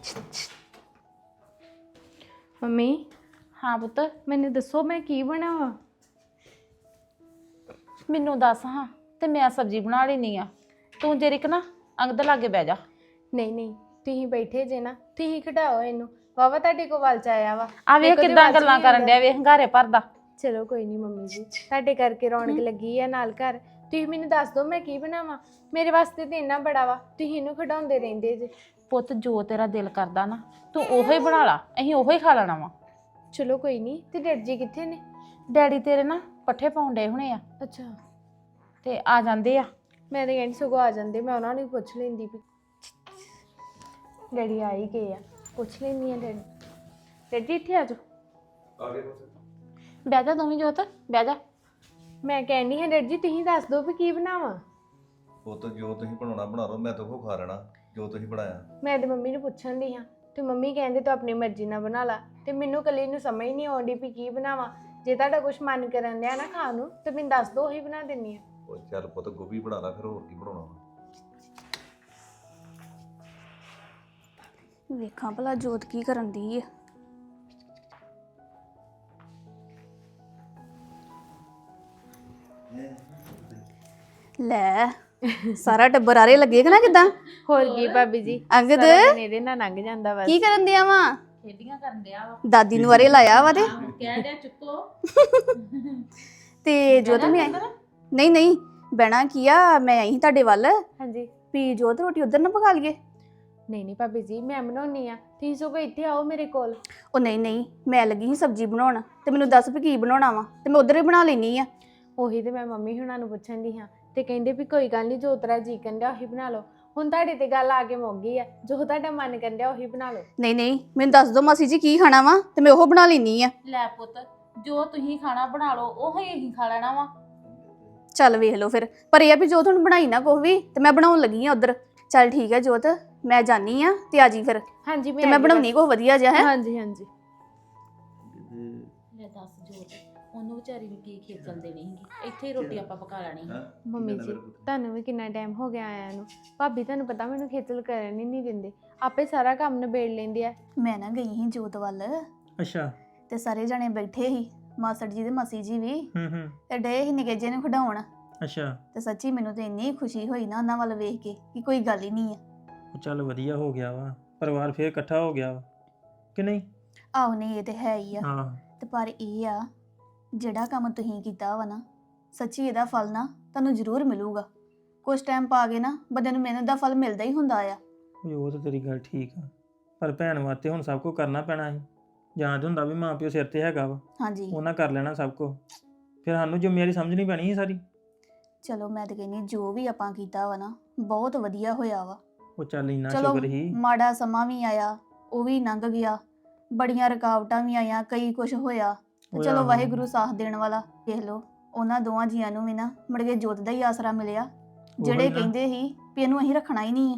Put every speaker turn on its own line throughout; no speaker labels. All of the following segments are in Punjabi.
ਮੰਮੀ
ਹਾਂ ਪੁੱਤ
ਮੈਨੂੰ ਦੱਸੋ ਮੈਂ ਕੀ ਬਣਾਵਾਂ?
ਮੈਨੂੰ ਦੱਸ ਹਾਂ ਤੇ ਮੈਂ ਸਬਜ਼ੀ ਬਣਾ ਲੈਣੀ ਆ। ਤੂੰ ਜਰੀਕ ਨਾ ਅੰਗਦ ਲਾਗੇ ਬਹਿ ਜਾ।
ਨਹੀਂ ਨਹੀਂ, ਤੁਸੀਂ ਬੈਠੇ ਜੇ ਨਾ, ਤੁਸੀਂ ਖਿਡਾਓ ਇਹਨੂੰ। ਵਾਵਾ ਤੁਹਾਡੇ ਕੋਲ ਵੱਲ ਚ ਆਇਆ ਵਾ।
ਆ ਵੇਖ ਕਿੱਦਾਂ ਗੱਲਾਂ ਕਰਨ ਡਿਆ, ਵੇਖ ਹੰਗਾਰੇ ਭਰਦਾ।
ਚਲੋ ਕੋਈ ਨਹੀਂ ਮੰਮੀ ਜੀ, ਤੁਹਾਡੇ ਕਰਕੇ ਰੌਣਕ ਲੱਗੀ ਆ ਨਾਲ ਘਰ। ਤੁਸੀਂ ਮੈਨੂੰ ਦੱਸ ਦਿਓ ਮੈਂ ਕੀ ਬਣਾਵਾਂ। ਮੇਰੇ ਵਾਸਤੇ ਤੇ ਇੰਨਾ ਬੜਾ ਵਾ, ਤੁਸੀਂ ਇਹਨੂੰ ਖਿਡਾਉਂਦੇ ਰਹਿੰਦੇ ਜੇ।
ਪੁੱਤ ਜੋ ਤੇਰਾ ਦਿਲ ਕਰਦਾ ਨਾ ਤੂੰ ਉਹੋ ਹੀ ਬਣਾ ਲਾ, ਅਸੀਂ ਉਹੋ ਹੀ ਖਾ ਲੈਣਾ ਵਾ।
ਚਲੋ ਕੋਈ ਨਹੀਂ। ਤੇ ਡੈਡ ਜੀ ਕਿੱਥੇ ਨੇ?
ਡੈਡੀ ਤੇਰੇ ਨਾ ਪੱਠੇ ਪਾਉਣ ਡਏ ਹੋਣੇ ਆ
ਅੱਛਾ,
ਤੇ ਆ ਜਾਂਦੇ ਆ।
ਮੈਂ ਤਾਂ ਕਹਿੰਦੀ ਸਗੋਂ ਆ ਜਾਂਦੇ, ਮੈਂ ਉਹਨਾਂ ਨੂੰ ਹੀ ਪੁੱਛ ਲੈਂਦੀ ਵੀ ਡੈਡੀ ਆ ਹੀ ਗਏ ਆ। ਪੁੱਛ ਲੈਂਦੀ ਆ ਡੈਡੀ ਜੀ ਇੱਥੇ ਆ ਜਾਓ।
ਬਹਿ ਜਾ ਦੋਵੇਂ ਜੋਤ, ਬਹਿ ਜਾ।
ਮੈਂ ਕਹਿੰਦੀ ਹਾਂ ਡੈਡੀ ਜੀ ਤੁਸੀਂ ਦੱਸ ਦਿਓ ਵੀ ਕੀ ਬਣਾਵਾਂ।
ਉਹ ਤਾਂ ਜੋ ਤੁਸੀਂ ਬਣਾਉਣਾ ਬਣਾ ਲਓ, ਮੈਂ ਤਾਂ ਉਹ ਖਾ ਲੈਣਾ ਜੋ ਤੁਸੀਂ ਬਣਾਇਆ।
ਮੈਂ ਤੇ ਮੰਮੀ ਨੂੰ ਪੁੱਛਣ ਦੀ ਹਾਂ ਤੇ ਮੰਮੀ ਕਹਿੰਦੇ ਤੂੰ ਆਪਣੀ ਮਰਜ਼ੀ ਨਾਲ ਬਣਾ ਲਾ, ਤੇ ਮੈਨੂੰ ਇਕੱਲੀ ਨੂੰ ਸਮਝ ਨਹੀਂ ਆਉਂਦੀ ਵੀ ਕੀ ਬਣਾਵਾਂ। ਜੇ ਤੁਹਾਡਾ ਕੁਝ ਮਨ ਕਰਨ ਡਿਆ ਨਾ ਖਾਣ ਨੂੰ ਤੇ ਮੈਨੂੰ ਦੱਸ ਦਿਓ, ਉਹੀ ਬਣਾ ਦਿੰਦੀ ਆ।
ਉਹ ਚੱਲ ਪੁੱਤ ਗੋਭੀ ਬਣਾ ਲਾ, ਫਿਰ ਹੋਰ ਕੀ ਬਣਾਉਣਾ ਵਾ।
ਵੇਖਾਂ ਭਲਾ ਜੋਤ ਕੀ ਕਰਨ ਦੀ ਹੈ। ਲੈ ਸਾਰਾ ਟੱਬਰ ਆਰੇ ਲੱਗੇ ਕਿ ਨਾ ਕਿਦਾਂ?
ਹੋਰ ਕੀ ਭਾਬੀ ਜੀ,
ਅੰਗਦ
ਸਾਰਾ ਦਿਨ ਇਹਦੇ ਨਾਲ ਲੰਘ ਜਾਂਦਾ ਬਸ।
ਕੀ ਕਰਨ ਦਿਆ ਵਾ?
ਖੇਡੀਆਂ ਕਰਨ ਡਿਆ ਵਾ।
ਦਾਦੀ ਨੂੰ ਆਰੇ ਲਾਇਆ ਵਾ ਤੇ
ਕਹਿ ਡਿਆ ਚੁੱਕੋ।
ਤੇ ਜੋਤ ਮੈਂ ਨਹੀਂ ਨਹੀਂ ਬਹਿਣਾ ਕੀ ਆ, ਮੈਂ ਆਈ ਸੀ ਤੁਹਾਡੇ ਵੱਲ
ਹਾਂਜੀ।
ਵੀ ਜੋਤ ਰੋਟੀ ਉਧਰ ਨਾ ਪਕਾ ਲਈਏ।
ਨਹੀਂ ਨਹੀਂ ਭਾਬੀ ਜੀ, ਮੈਂ ਬਣਾਉਣੀ ਆ, ਤੁਸੀਂ ਸਗੋਂ ਇੱਥੇ ਆਓ ਮੇਰੇ ਕੋਲ।
ਉਹ ਨਹੀਂ ਨਹੀਂ, ਮੈਂ ਲੱਗੀ ਸੀ ਸਬਜ਼ੀ ਬਣਾਉਣ ਤੇ ਮੈਨੂੰ ਦੱਸ ਵੀ ਕੀ ਬਣਾਉਣਾ ਵਾ ਤੇ ਮੈਂ ਉਧਰ ਹੀ ਬਣਾ ਲੈਣੀ ਆ।
ਉਹੀ ਤੇ ਮੈਂ ਮੰਮੀ ਹੁਣਾਂ ਨੂੰ ਪੁੱਛਣ ਦੀ ਹਾਂ ਤੇ ਕਹਿੰਦੇ ਵੀ ਕੋਈ ਗੱਲ ਨਹੀਂ, ਜੋ ਤੇਰਾ ਜੀ ਕਹਿੰਦਾ ਉਹੀ ਬਣਾ ਲਓ। ਹੁਣ ਤੁਹਾਡੇ ਤੇ ਗੱਲ ਆ ਕੇ ਮੁੱਕ ਗਈ ਆ, ਜੋ ਤੁਹਾਡਾ ਮਨ ਕਹਿੰਦਾ ਉਹੀ ਬਣਾ ਲਓ।
ਨਹੀਂ ਨਹੀਂ, ਮੈਨੂੰ ਦੱਸ ਦਿਓ ਮਾਸੀ ਜੀ ਕੀ ਖਾਣਾ ਵਾ ਤੇ ਮੈਂ ਉਹ ਬਣਾ ਲੈਣੀ ਆ।
ਲੈ ਪੁੱਤ ਜੋ ਤੁਸੀਂ ਖਾਣਾ ਬਣਾ ਲਓ, ਉਹੋ ਹੀ ਅਸੀਂ ਖਾ ਲੈਣਾ ਵਾ।
ਚੱਲ ਵੇਖ ਲਓ ਫਿਰ, ਪਰ ਇਹ ਆ ਵੀ ਜੋ ਤੁਹਾਨੂੰ ਬਣਾਈ ਨਾ ਕੁਛ ਵੀ ਤੇ ਮੈਂ ਬਣਾਉਣ ਲੱਗੀ ਆ ਉਧਰ। ਚੱਲ ਠੀਕ ਹੈ ਜੋਤ, ਮੈਂ ਜਾਨੀ ਆ ਤੇ ਆ ਜੀ ਫਿਰ।
ਹਾਂਜੀ
ਤੇ ਮੈਂ ਬਣਾਉਣੀ ਕੁਛ ਵਧੀਆ ਜਿਹਾ ਹੈ।
ਹਾਂਜੀ ਹਾਂਜੀ।
ਲੈ ਦੱਸ ਜੋਤ, ਉਹਨੂੰ ਵਿਚਾਰੀ ਨੂੰ ਕੀ ਖੇਚਲ ਦੇਣੀ ਸੀਗੀ, ਇੱਥੇ ਹੀ ਰੋਟੀ ਆਪਾਂ ਪਕਾ ਲੈਣੀ ਸੀ।
ਮੰਮੀ ਜੀ ਤੁਹਾਨੂੰ ਵੀ ਕਿੰਨਾ ਟਾਈਮ ਹੋ ਗਿਆ ਆਇਆ ਨੂੰ। ਭਾਬੀ ਤੁਹਾਨੂੰ ਪਤਾ ਮੈਨੂੰ ਖੇਚਲ ਕਰਨ ਹੀ ਨਹੀਂ ਦਿੰਦੇ, ਆਪੇ ਸਾਰਾ ਕੰਮ ਨਿਬੇੜ ਲੈਂਦੇ ਆ।
ਮੈਂ ਨਾ ਗਈ ਸੀ ਜੋਤ ਵੱਲ
ਅੱਛਾ।
ਤੇ ਸਾਰੇ ਜਣੇ ਬੈਠੇ ਸੀ, ਮਾਸੜ ਜੀ ਤੇ ਮਾਸੀ ਜੀ ਵੀ,
ਹੂੰ
ਤੇ ਡੇ ਸੀ ਨਿੱਕੇ ਜਿਹੇ ਨੂੰ ਖਿਡਾਉਣ।
ਅੱਛਾ।
ਤੇ ਸੱਚੀ ਮੈਨੂੰ ਤੇ ਇੰਨੀ ਖੁਸ਼ੀ ਹੋਈ ਨਾ ਉਹਨਾਂ ਵੱਲ ਵੇਖ ਕੇ ਕਿ ਕੋਈ ਗੱਲ ਹੀ ਨਹੀਂ ਆ।
ਚੱਲ ਵਧੀਆ ਹੋ ਗਿਆ ਵਾ, ਪਰਿਵਾਰ ਫੇਰ ਇਕੱਠਾ ਹੋ ਗਿਆ ਵਾ ਕਿ ਨਹੀਂ?
ਆਹੋ ਨਹੀਂ, ਇਹ ਤੇ ਹੈ ਹੀ ਆ।
ਹਾਂ।
ਤੇ ਪਰ ਇਹ ਆ, ਜਿਹੜਾ ਕੰਮ ਤੁਸੀਂ ਕੀਤਾ ਵਾ ਨਾ, ਸੱਚੀ ਇਹਦਾ ਫਲ ਨਾ ਤੁਹਾਨੂੰ ਜ਼ਰੂਰ ਮਿਲੂਗਾ। ਕੁਝ ਟਾਈਮ ਪਾ ਕੇ ਨਾ ਬੰਦੇ ਨੂੰ ਮਿਹਨਤ ਦਾ ਫਲ ਮਿਲਦਾ ਹੀ ਹੁੰਦਾ ਆ।
ਉਹ ਤਾਂ ਤੇਰੀ ਗੱਲ ਠੀਕ ਆ, ਪਰ ਭੈਣ ਵਾਸਤੇ ਹੁਣ ਸਭ ਕੁਝ ਕਰਨਾ ਪੈਣਾ ਸੀ। ਜਾਂ ਤਾਂ ਹੁੰਦਾ ਵੀ ਮਾਂ ਪਿਓ ਸਿਰ ਤੇ ਹੈਗਾ ਵਾ,
ਹਾਂਜੀ
ਉਹਨਾਂ ਕਰ ਲੈਣਾ ਸਭ ਕੁਝ, ਫਿਰ ਸਾਨੂੰ ਜ਼ਿੰਮੇਵਾਰੀ ਸਮਝਣੀ ਪੈਣੀ ਸੀ ਸਾਰੀ।
ਚਲੋ ਮੈਂ ਤਾਂ ਕਹਿੰਦੀ ਜੋ ਵੀ ਆਪਾਂ ਕੀਤਾ ਵਾ ਨਾ ਬਹੁਤ ਵਧੀਆ ਹੋਇਆ ਵਾ।
ਉਹ ਚੱਲ ਇੰਨਾ
ਚਲੋ
ਸ਼ੁਕਰ ਹੀ।
ਮਾੜਾ ਸਮਾਂ ਵੀ ਆਇਆ, ਉਹ ਵੀ ਲੰਘ ਗਿਆ, ਬੜੀਆਂ ਰੁਕਾਵਟਾਂ ਵੀ ਆਈਆਂ, ਕਈ ਕੁਝ ਹੋਇਆ, ਤੇ
ਹੋਇਆ
ਚਲੋ
ਵਾ।
ਵਾਹਿਗੁਰੂ ਸਾਥ ਦੇਣ ਵਾਲਾ। ਦੇਖ ਲਓ ਉਹਨਾਂ ਦੋਵਾਂ ਜੀਆਂ ਨੂੰ ਵੀ ਨਾ ਮੁੜ ਕੇ ਜੋਤ ਦਾ ਹੀ ਆਸਰਾ ਮਿਲਿਆ, ਜਿਹੜੇ
ਨਾ।
ਕਹਿੰਦੇ ਸੀ ਵੀ ਇਹਨੂੰ ਅਸੀਂ ਰੱਖਣਾ ਹੀ ਨਹੀਂ ਆ।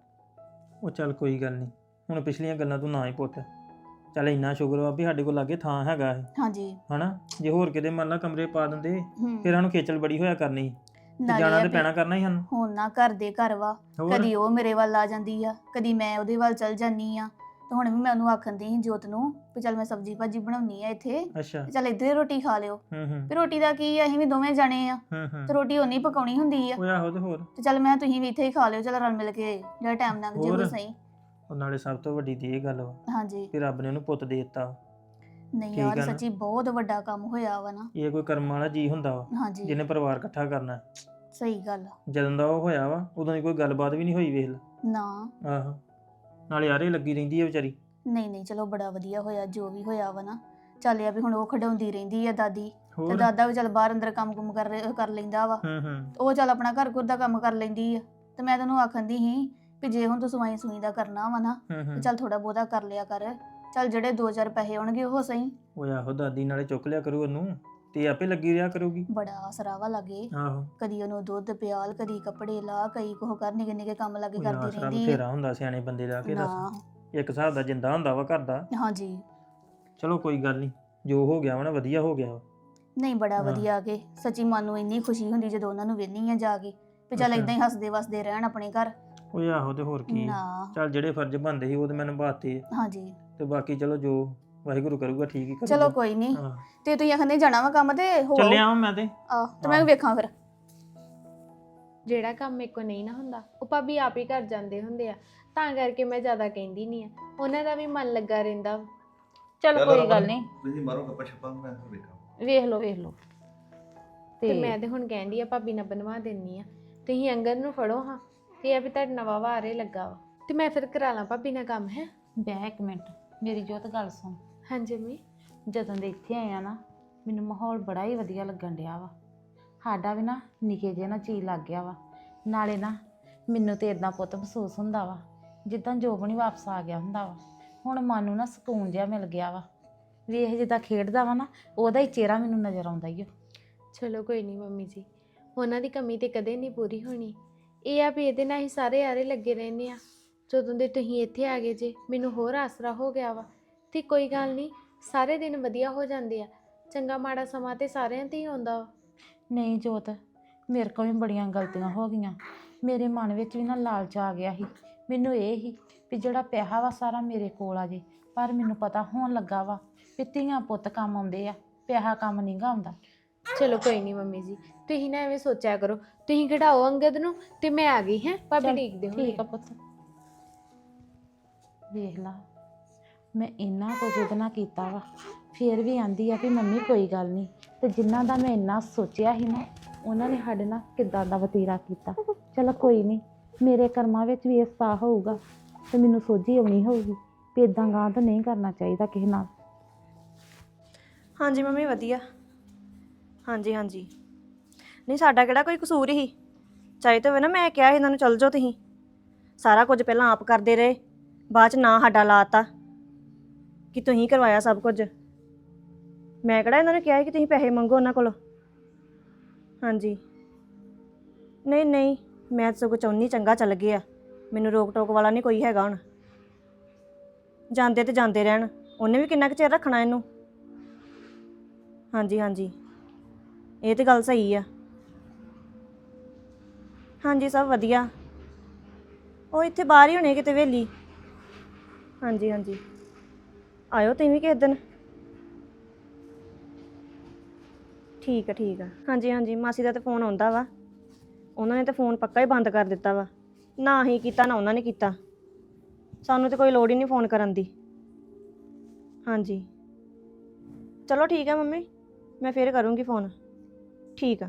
ਉਹ ਚੱਲ ਕੋਈ ਗੱਲ ਨਹੀਂ, ਹੁਣ ਪਿਛਲੀਆਂ ਗੱਲਾਂ ਤੂੰ ਨਾ ਹੀ ਪੁੱਤ। ਚੱਲ ਇੰਨਾ ਸ਼ੁਕਰ ਵਾ ਵੀ ਸਾਡੇ ਕੋਲ ਲਾਗੇ ਥਾਂ ਹੈਗਾ ਹੈ
ਹਾਂਜੀ
ਹਨਾ। ਜੇ ਹੋਰ ਕਿਤੇ ਮੰਨ ਲਾ ਕਮਰੇ ਪਾ ਦਿੰਦੇ
ਹੂੰ।
ਫਿਰ ਸਾਨੂੰ ਖੇਚਲ ਬੜੀ ਹੋਇਆ ਕਰਨੀ ਸੀ, ਤੇ
ਨਾਲੇ
ਜਾਣਾ
ਇਹ
ਤੇ
ਵੀ
ਪੈਣਾ ਕਰਨਾ ਹੀ ਸਾਨੂੰ।
ਹੁਣ ਨਾ ਘਰ ਦੇ ਘਰ ਵਾ,
ਹੋਰ?
ਕਦੀ ਉਹ ਮੇਰੇ ਵੱਲ ਆ ਜਾਂਦੀ ਆ, ਕਦੀ ਮੈਂ ਉਹਦੇ ਵੱਲ ਚਲ ਜਾਂਦੀ ਆ। ਤੇ ਹੁਣ ਵੀ ਮੈਂ ਉਹਨੂੰ ਆਖਣ ਦੀ ਸੀ ਜੋਤ ਨੂੰ ਵੀ ਚੱਲ ਮੈਂ ਸਬਜ਼ੀ ਭਾਜੀ ਬਣਾਉਣੀ ਆ ਇੱਥੇ,
ਅੱਛਾ।
ਤੇ ਚੱਲ ਇੱਧਰ ਹੀ ਰੋਟੀ ਖਾ ਲਿਓ।
ਹੂੰ
ਵੀ ਰੋਟੀ ਦਾ ਕੀ ਆ, ਅਸੀਂ ਵੀ ਦੋਵੇਂ ਜਾਣੇ ਆ
ਹੂੰ
ਤੇ ਰੋਟੀ ਉਨੀ ਪਕਾਉਣੀ ਹੁੰਦੀ ਆ।
ਉਹ ਆਹੋ ਤੇ ਹੋਰ।
ਤੇ ਚੱਲ ਮੈਂ ਤੁਸੀਂ ਵੀ ਇੱਥੇ ਹੀ ਖਾ ਲਿਓ, ਚੱਲ ਰਲ ਮਿਲ ਕੇ ਜਿਹੜਾ ਟਾਈਮ ਲੰਘ ਜੇ ਉਹ
ਹੋਰ?
ਸਹੀ।
ਉਹ ਨਾਲੇ ਸਭ ਤੋਂ ਵੱਡੀ ਤੇ ਇਹ ਗੱਲ ਵਾ
ਹਾਂਜੀ
ਕਿ ਰੱਬ ਨੇ ਉਹਨੂੰ ਪੁੱਤ ਦੇ ਦਿੱਤਾ।
ਨਹੀਂ
ਠੀਕ
ਯਾਰ
ਆ ਨਾ?
ਸੱਚੀ ਬਹੁਤ ਵੱਡਾ ਕੰਮ ਹੋਇਆ ਵਾ ਨਾ।
ਇਹ ਕੋਈ ਕਰਮ ਵਾਲਾ ਜੀ ਹੁੰਦਾ ਵਾ
ਹਾਂਜੀ
ਜਿਹਨੇ ਪਰਿਵਾਰ ਇਕੱਠਾ ਕਰਨਾ।
ਸਹੀ ਗੱਲ ਆ।
ਜਦੋਂ ਦਾ ਉਹ ਹੋਇਆ ਵਾ ਉਦੋਂ ਦੀ ਕੋਈ ਗੱਲਬਾਤ ਵੀ ਨਹੀਂ ਹੋਈ, ਵੇਖ ਲੈ।
ਨਾ
ਆਹੋ, ਨਾਲੇ ਆਰੇ ਲੱਗੀ ਰਹਿੰਦੀ ਹੈ ਵਿਚਾਰੀ।
ਨਹੀਂ ਨਹੀਂ, ਚਲੋ ਬੜਾ ਵਧੀਆ ਹੋਇਆ ਜੋ ਵੀ ਹੋਇਆ ਵਾ ਨਾ। ਚੱਲ ਆ ਵੀ ਹੁਣ ਉਹ ਖਿਡਾਉਂਦੀ ਰਹਿੰਦੀ ਆ ਦਾਦੀ, ਤੇ
ਹੋਰ।
ਦਾਦਾ ਵੀ ਚੱਲ ਬਾਹਰ ਅੰਦਰ ਕੰਮ ਕੁਮ ਕਰ ਲੈਂਦਾ ਵਾ।
ਹੂੰ
ਉਹ ਚੱਲ ਆਪਣਾ ਘਰ ਘੁਰ ਦਾ ਕੰਮ ਕਰ ਲੈਂਦੀ ਆ। ਤੇ ਮੈਂ ਤੈਨੂੰ ਆਖਣ ਦੀ ਸੀ ਵੀ ਜੇ ਹੁਣ ਤੂੰ ਸਵਾਈ ਸੂਈ ਦਾ ਕਰਨਾ ਵਾ ਨਾ, ਤੇ ਚੱਲ ਥੋੜਾ ਬਹੁਤਾ ਕਰ ਲਿਆ ਕਰ। ਚੱਲ ਜਿਹੜੇ 2-4 ਪੈਸੇ ਆਉਣਗੇ ਉਹ ਸਹੀ।
ਉਹ ਆਹੋ ਦਾਦੀ ਨਾਲੇ ਚੁੱਕ ਲਿਆ ਕਰੂ ਉਹਨੂੰ, ਤੇ ਆਪੇ ਲੱਗੀ ਰਿਹਾ ਕਰੂਗੀ।
ਬੜਾ ਆਸਰਾ ਵਾ ਲੱਗੇ,
ਆਹੋ,
ਕਦੀ ਉਹਨੂੰ ਦੁੱਧ ਪਿਆਲ, ਕਦੀ ਕੱਪੜੇ ਲਾ, ਕਈ ਕੁਝ ਕਰ ਨਿੱਕੇ ਨਿੱਕੇ ਕੰਮ ਲੱਗੇ
ਉਹ
ਕਰਦੀ
ਆਸਰਾ
ਰਹਿੰਦੀ
ਬਥੇਰਾ ਹੁੰਦਾ ਸਿਆਣੇ ਬੰਦੇ ਦਾ ਕਿ
ਨਾ।
ਦੱਸ। ਇੱਕ ਹਿਸਾਬ ਦਾ ਜਿੰਦਾ ਹੁੰਦਾ ਵਾ ਘਰ ਦਾ।
ਹਾਂਜੀ
ਚਲੋ ਕੋਈ ਗੱਲ ਨਹੀਂ, ਜੋ ਹੋ ਗਿਆ ਵਾ ਨਾ ਵਧੀਆ ਹੋ ਗਿਆ ਵਾ।
ਨਹੀਂ ਬੜਾ
ਹਾਂ।
ਵਧੀਆ ਆ ਕੇ ਸੱਚੀ ਮਨ ਨੂੰ ਇੰਨੀ ਖੁਸ਼ੀ ਹੁੰਦੀ ਜਦੋਂ ਉਹਨਾਂ ਨੂੰ ਵੇਖਣੀ ਆ ਜਾ ਕੇ ਵੀ ਚੱਲ
ਅੱਛਾ।
ਇਦਾਂ ਹੀ ਹੱਸਦੇ ਵਸਦੇ ਰਹਿਣ ਆਪਣੇ ਘਰ।
ਉਹ ਆਹੋ ਤੇ ਹੋਰ ਕੀ ਆ।
ਨਾ
ਚੱਲ ਜਿਹੜੇ ਫਰਜ਼ ਬਣਦੇ ਸੀ ਉਹ ਤੇ ਮੈਂ ਨਿਭਾਤੇ ਆ
ਹਾਂਜੀ
ਤੇ ਬਾਕੀ ਚਲੋ ਜੋ ਵਾਹਿਗੁਰੂ ਕਰੂਗਾ ਠੀਕ ਹੀ ਕਰੂਗਾ।
ਚਲੋ ਕੋਈ ਨਹੀਂ।
ਹਾਂ
ਤੇ ਤੁਸੀਂ ਆਖੰਦੇ ਜਾਣਾ ਵਾ ਕੰਮ ਤੇ ਹੋ
ਚੱਲਿਆ ਵਾਂ ਮੈਂ ਤੇ
ਆ ਤੇ ਮੈਂ ਵੇਖਾਂ ਫਿਰ।
ਜਿਹੜਾ ਕੰਮ ਮੇਰੇ ਕੋ ਨਹੀਂ ਨਾ ਹੁੰਦਾ ਉਹ ਭਾਬੀ ਆਪ ਹੀ ਕਰ ਜਾਂਦੇ ਹੁੰਦੇ ਆ, ਤਾਂ ਕਰਕੇ ਮੈਂ ਜ਼ਿਆਦਾ ਕਹਿੰਦੀ ਨਹੀਂ ਆ, ਉਹਨਾਂ ਦਾ ਵੀ ਮਨ ਲੱਗਾ ਰਹਿੰਦਾ।
ਚਲ ਕੋਈ ਗੱਲ ਨਹੀਂ,
ਤੁਸੀਂ ਮਾਰੋ ਗੱਪਾ ਛੱਪਾ ਮੈਂ ਵੇਖਾਂ।
ਵੇਖ ਲਓ ਵੇਖ ਲਓ।
ਤੇ ਮੈਂ ਤੇ ਹੁਣ ਕਹਿੰਦੀ ਆ ਭਾਬੀ ਨਾਲ ਬਣਵਾ ਦਿੰਨੀ ਆ, ਤੁਸੀਂ ਅੰਗਦ ਨੂੰ ਫੜੋ ਹਾਂ, ਤੇ ਆ ਵੀ ਤੁਹਾਡਾ ਨਵਾਂ ਵਾਰੇ ਲੱਗਾ ਵਾ, ਤੇ ਮੈਂ ਫਿਰ ਕਰਾ ਲਾਂ ਭਾਬੀ ਨਾਲ ਕੰਮ। ਹੈ
ਬਹਿ ਇੱਕ ਮਿੰਟ, ਮੇਰੀ ਜੋਤ ਗੱਲ ਸੁਣ।
ਹਾਂਜੀ ਮੰਮੀ।
ਜਦੋਂ ਦੇ ਇੱਥੇ ਆਏ ਆ ਨਾ, ਮੈਨੂੰ ਮਾਹੌਲ ਬੜਾ ਹੀ ਵਧੀਆ ਲੱਗਣ ਡਿਆ ਵਾ। ਸਾਡਾ ਵੀ ਨਾ ਨਿੱਕੇ ਜਿਹੇ ਨਾ ਚੀਜ਼ ਲੱਗ ਗਿਆ ਵਾ। ਨਾਲੇ ਨਾ ਮੈਨੂੰ ਤੇ ਇਦਾਂ ਪੁੱਤ ਮਹਿਸੂਸ ਹੁੰਦਾ ਵਾ ਜਿੱਦਾਂ ਜੋਬਨ ਹੀ ਵਾਪਸ ਆ ਗਿਆ ਹੁੰਦਾ ਵਾ। ਹੁਣ ਮਨ ਨੂੰ ਨਾ ਸਕੂਨ ਜਿਹਾ ਮਿਲ ਗਿਆ ਵਾ। ਵੇਖ ਜਿੱਦਾਂ ਖੇਡਦਾ ਵਾ ਨਾ, ਉਹਦਾ ਹੀ ਚਿਹਰਾ ਮੈਨੂੰ ਨਜ਼ਰ ਆਉਂਦਾ ਈ ਓ।
ਚਲੋ ਕੋਈ ਨਹੀਂ ਮੰਮੀ ਜੀ, ਉਹਨਾਂ ਦੀ ਕਮੀ ਤੇ ਕਦੇ ਨਹੀਂ ਪੂਰੀ ਹੋਣੀ। ਇਹ ਆ ਵੀ ਇਹਦੇ ਨਾਲ ਹੀ ਸਾਰੇ ਆਰੇ ਲੱਗੇ ਰਹਿੰਦੇ ਆ। ਜਦੋਂ ਦੇ ਤੁਸੀਂ ਇੱਥੇ ਆ ਗਏ ਜੇ, ਮੈਨੂੰ ਹੋਰ ਆਸਰਾ ਹੋ ਗਿਆ ਵਾ। ਤੇ ਕੋਈ ਗੱਲ ਨਹੀਂ, ਸਾਰੇ ਦਿਨ ਵਧੀਆ ਹੋ ਜਾਂਦੇ ਆ। ਚੰਗਾ ਮਾੜਾ ਸਮਾਂ ਤੇ ਸਾਰਿਆਂ ਤੇ ਹੀ ਆਉਂਦਾ ਵਾ।
ਨਹੀਂ ਜੋਤ, ਮੇਰੇ ਕੋਲ ਵੀ ਬੜੀਆਂ ਗਲਤੀਆਂ ਹੋ ਗਈਆਂ। ਮੇਰੇ ਮਨ ਵਿੱਚ ਵੀ ਨਾ ਲਾਲਚ ਆ ਗਿਆ ਸੀ। ਮੈਨੂੰ ਇਹ ਹੀ ਵੀ ਜਿਹੜਾ ਪੈਸਾ ਵਾ ਸਾਰਾ ਮੇਰੇ ਕੋਲ ਆ ਜੇ, ਪਰ ਮੈਨੂੰ ਪਤਾ ਹੋਣ ਲੱਗਾ ਵਾ ਵੀ ਧੀਆਂ ਪੁੱਤ ਕੰਮ ਆਉਂਦੇ ਆ, ਪੈਸਾ ਕੰਮ ਨਹੀਂ ਗਾ ਆਉਂਦਾ।
ਚਲੋ ਕੋਈ ਨਹੀਂ ਮੰਮੀ ਜੀ, ਤੁਸੀਂ ਨਾ ਐਵੇਂ ਸੋਚਿਆ ਕਰੋ। ਤੁਸੀਂ ਖਿਡਾਓ ਅੰਗਦ ਨੂੰ ਤੇ ਮੈਂ ਆ ਗਈ। ਹੈ ਭਾਬੀ
ਚੱਲ,
ਦੇਖਦੇ ਹੋ।
ਠੀਕ ਆ ਪੁੱਤ। ਵੇਖ ਲਾ, ਮੈਂ ਇੰਨਾ ਕੁਝ ਉਹਦੇ ਨਾਲ ਕੀਤਾ ਵਾ, ਫਿਰ ਵੀ ਆਂਦੀ ਆ ਵੀ ਮੰਮੀ ਕੋਈ ਗੱਲ ਨਹੀਂ। ਤੇ ਜਿਨ੍ਹਾਂ ਦਾ ਮੈਂ ਇੰਨਾ ਸੋਚਿਆ ਸੀ ਨਾ, ਉਹਨਾਂ ਨੇ ਸਾਡੇ ਨਾਲ ਕਿੱਦਾਂ ਦਾ ਵਤੀਰਾ ਕੀਤਾ। ਚਲੋ ਕੋਈ ਨਹੀਂ, ਮੇਰੇ ਕਰਮਾਂ ਵਿੱਚ ਵੀ ਇਸ ਪਾ ਹੋਊਗਾ ਤੇ ਮੈਨੂੰ ਸੋਝੀ ਆਉਣੀ ਹੋਊਗੀ ਵੀ ਇਦਾਂ ਗਾਂ ਤਾਂ ਨਹੀਂ ਕਰਨਾ ਚਾਹੀਦਾ ਕਿਸੇ ਨਾਲ।
ਹਾਂਜੀ ਮੰਮੀ ਵਧੀਆ। ਹਾਂਜੀ ਹਾਂਜੀ, ਨਹੀਂ ਸਾਡਾ ਕਿਹੜਾ ਕੋਈ ਕਸੂਰ ਹੀ। ਚਾਹੇ ਤਾਂ ਵੇ ਨਾ ਮੈਂ ਕਿਹਾ ਇਹਨਾਂ ਨੂੰ ਚੱਲ ਜਾਓ ਤੁਸੀਂ, ਸਾਰਾ ਕੁਝ ਪਹਿਲਾਂ ਆਪ ਕਰਦੇ ਰਹੇ, ਬਾਅਦ ਚ ਨਾ ਸਾਡਾ ਲਾਤਾ ਕਿ ਤੁਸੀਂ ਕਰਵਾਇਆ ਸਭ ਕੁਝ। ਮੈਂ ਕਿਹੜਾ ਇਹਨਾਂ ਨੂੰ ਕਿਹਾ ਕਿ ਤੁਸੀਂ ਪੈਸੇ ਮੰਗੋ ਉਹਨਾਂ ਕੋਲੋਂ। ਹਾਂਜੀ ਨਹੀਂ ਨਹੀਂ, ਮੈਂ ਤਾਂ ਸਗੋਂ ਚਾਹੁੰਦੀ ਚੰਗਾ ਚੱਲ ਗਿਆ। ਮੈਨੂੰ ਰੋਕ ਟੋਕ ਵਾਲਾ ਨਹੀਂ ਕੋਈ ਹੈਗਾ ਹੁਣ। ਜਾਂਦੇ ਤੇ ਜਾਂਦੇ ਰਹਿਣ, ਉਹਨੇ ਵੀ ਕਿੰਨਾ ਕੁ ਚਿਰ ਰੱਖਣਾ ਇਹਨੂੰ। ਹਾਂਜੀ ਹਾਂਜੀ, ਇਹ ਤੇ ਗੱਲ ਸਹੀ ਆ। ਹਾਂਜੀ ਸਭ ਵਧੀਆ, ਉਹ ਇੱਥੇ ਬਾਹਰ ਹੀ ਹੋਣੇ ਕਿਤੇ ਵੇਲੀ। ਹਾਂਜੀ ਹਾਂਜੀ, ਆਇਓ ਤੁਸੀਂ ਵੀ ਕਿਸੇ ਦਿਨ। ਠੀਕ ਆ ਠੀਕ ਆ। ਹਾਂਜੀ ਹਾਂਜੀ, ਮਾਸੀ ਦਾ ਤਾਂ ਫੋਨ ਆਉਂਦਾ ਵਾ। ਉਹਨਾਂ ਨੇ ਤਾਂ ਫੋਨ ਪੱਕਾ ਹੀ ਬੰਦ ਕਰ ਦਿੱਤਾ ਵਾ, ਨਾ ਹੀ ਕੀਤਾ ਨਾ ਉਹਨਾਂ ਨੇ ਕੀਤਾ। ਸਾਨੂੰ ਤਾਂ ਕੋਈ ਲੋੜ ਹੀ ਨਹੀਂ ਫੋਨ ਕਰਨ ਦੀ। ਹਾਂਜੀ ਚਲੋ ਠੀਕ ਆ ਮੰਮੀ, ਮੈਂ ਫਿਰ ਕਰੂੰਗੀ ਫੋਨ। ਠੀਕ ਆ।